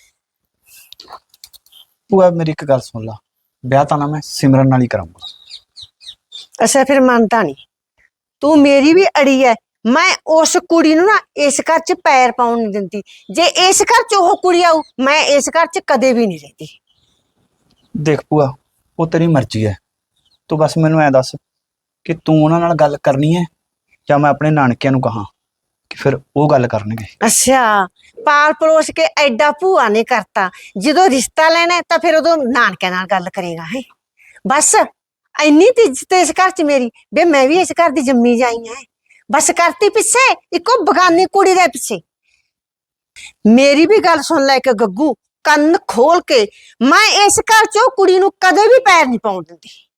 Speaker 3: ਭੂਆ ਮੇਰੀ ਇੱਕ ਗੱਲ ਸੁਣ ਲਾ, ਵਿਆਹ ਤਾਂ ਨਾ ਮੈਂ ਸਿਮਰਨ ਨਾਲ ਹੀ ਕਰਾਂਗਾ।
Speaker 7: ਅੱਛਾ ਫਿਰ ਮੰਨਦਾ ਨਹੀਂ ਤੂੰ, ਮੇਰੀ ਵੀ ਅੜੀ ਹੈ। ਮੈਂ ਉਸ ਕੁੜੀ ਨੂੰ ਨਾ ਇਸ ਘਰ 'ਚ ਪੈਰ ਪਾਉਣ ਨਹੀਂ ਦਿੰਦੀ, ਜੇ ਇਸ ਘਰ 'ਚ ਉਹ ਕੁੜੀ ਆਊ ਮੈਂ ਇਸ ਘਰ 'ਚ ਕਦੇ ਵੀ ਨਹੀਂ ਰਹਿੰਦੀ।
Speaker 3: ਦੇਖ ਭੂਆ, ਉਹ ਤੇਰੀ ਮਰਜ਼ੀ ਹੈ, ਤੂੰ ਬਸ ਮੈਨੂੰ ਐ ਦੱਸ ਕਿ ਤੂੰ ਉਹਨਾਂ ਨਾਲ ਗੱਲ ਕਰਨੀ ਹੈ ਜਾਂ ਮੈਂ ਆਪਣੇ ਨਾਨਕਿਆਂ ਨੂੰ ਕਹਾਂ ਕਿ ਫਿਰ ਉਹ ਗੱਲ ਕਰਨਗੇ।
Speaker 7: ਅੱਛਾ ਪਾਲ ਪਲੋਸ ਕੇ ਐਡਾ ਭੂਆ ਨੇ ਕਰਤਾ, ਜਦੋਂ ਰਿਸ਼ਤਾ ਲੈਣਾ ਤਾਂ ਫਿਰ ਉਦੋਂ ਨਾਨਕਿਆਂ ਨਾਲ ਗੱਲ ਕਰੇਗਾ ਹੈ। ਬਸ ਇੰਨੀ ਤੇ ਇੱਜ਼ਤ ਇਸ ਘਰ 'ਚ ਮੇਰੀ, ਵੇ ਮੈਂ ਵੀ ਇਸ ਘਰ ਦੀ ਜੰਮੀ ਜਾਈ ਹੈ, ਬਸ ਕਰਤੀ ਪਿੱਛੇ ਇੱਕੋ ਬਗਾਨੀ ਕੁੜੀ ਦੇ ਪਿੱਛੇ। ਮੇਰੀ ਵੀ ਗੱਲ ਸੁਣ ਲੈ ਕੇ ਗੱਗੂ, ਕੰਨ ਖੋਲ ਕੇ, ਮੈਂ ਇਸ ਘਰ 'ਚ ਉਹ ਕੁੜੀ ਨੂੰ ਕਦੇ ਵੀ ਪੈਰ ਨਹੀਂ ਪਾਉਣ ਦਿੰਦੀ।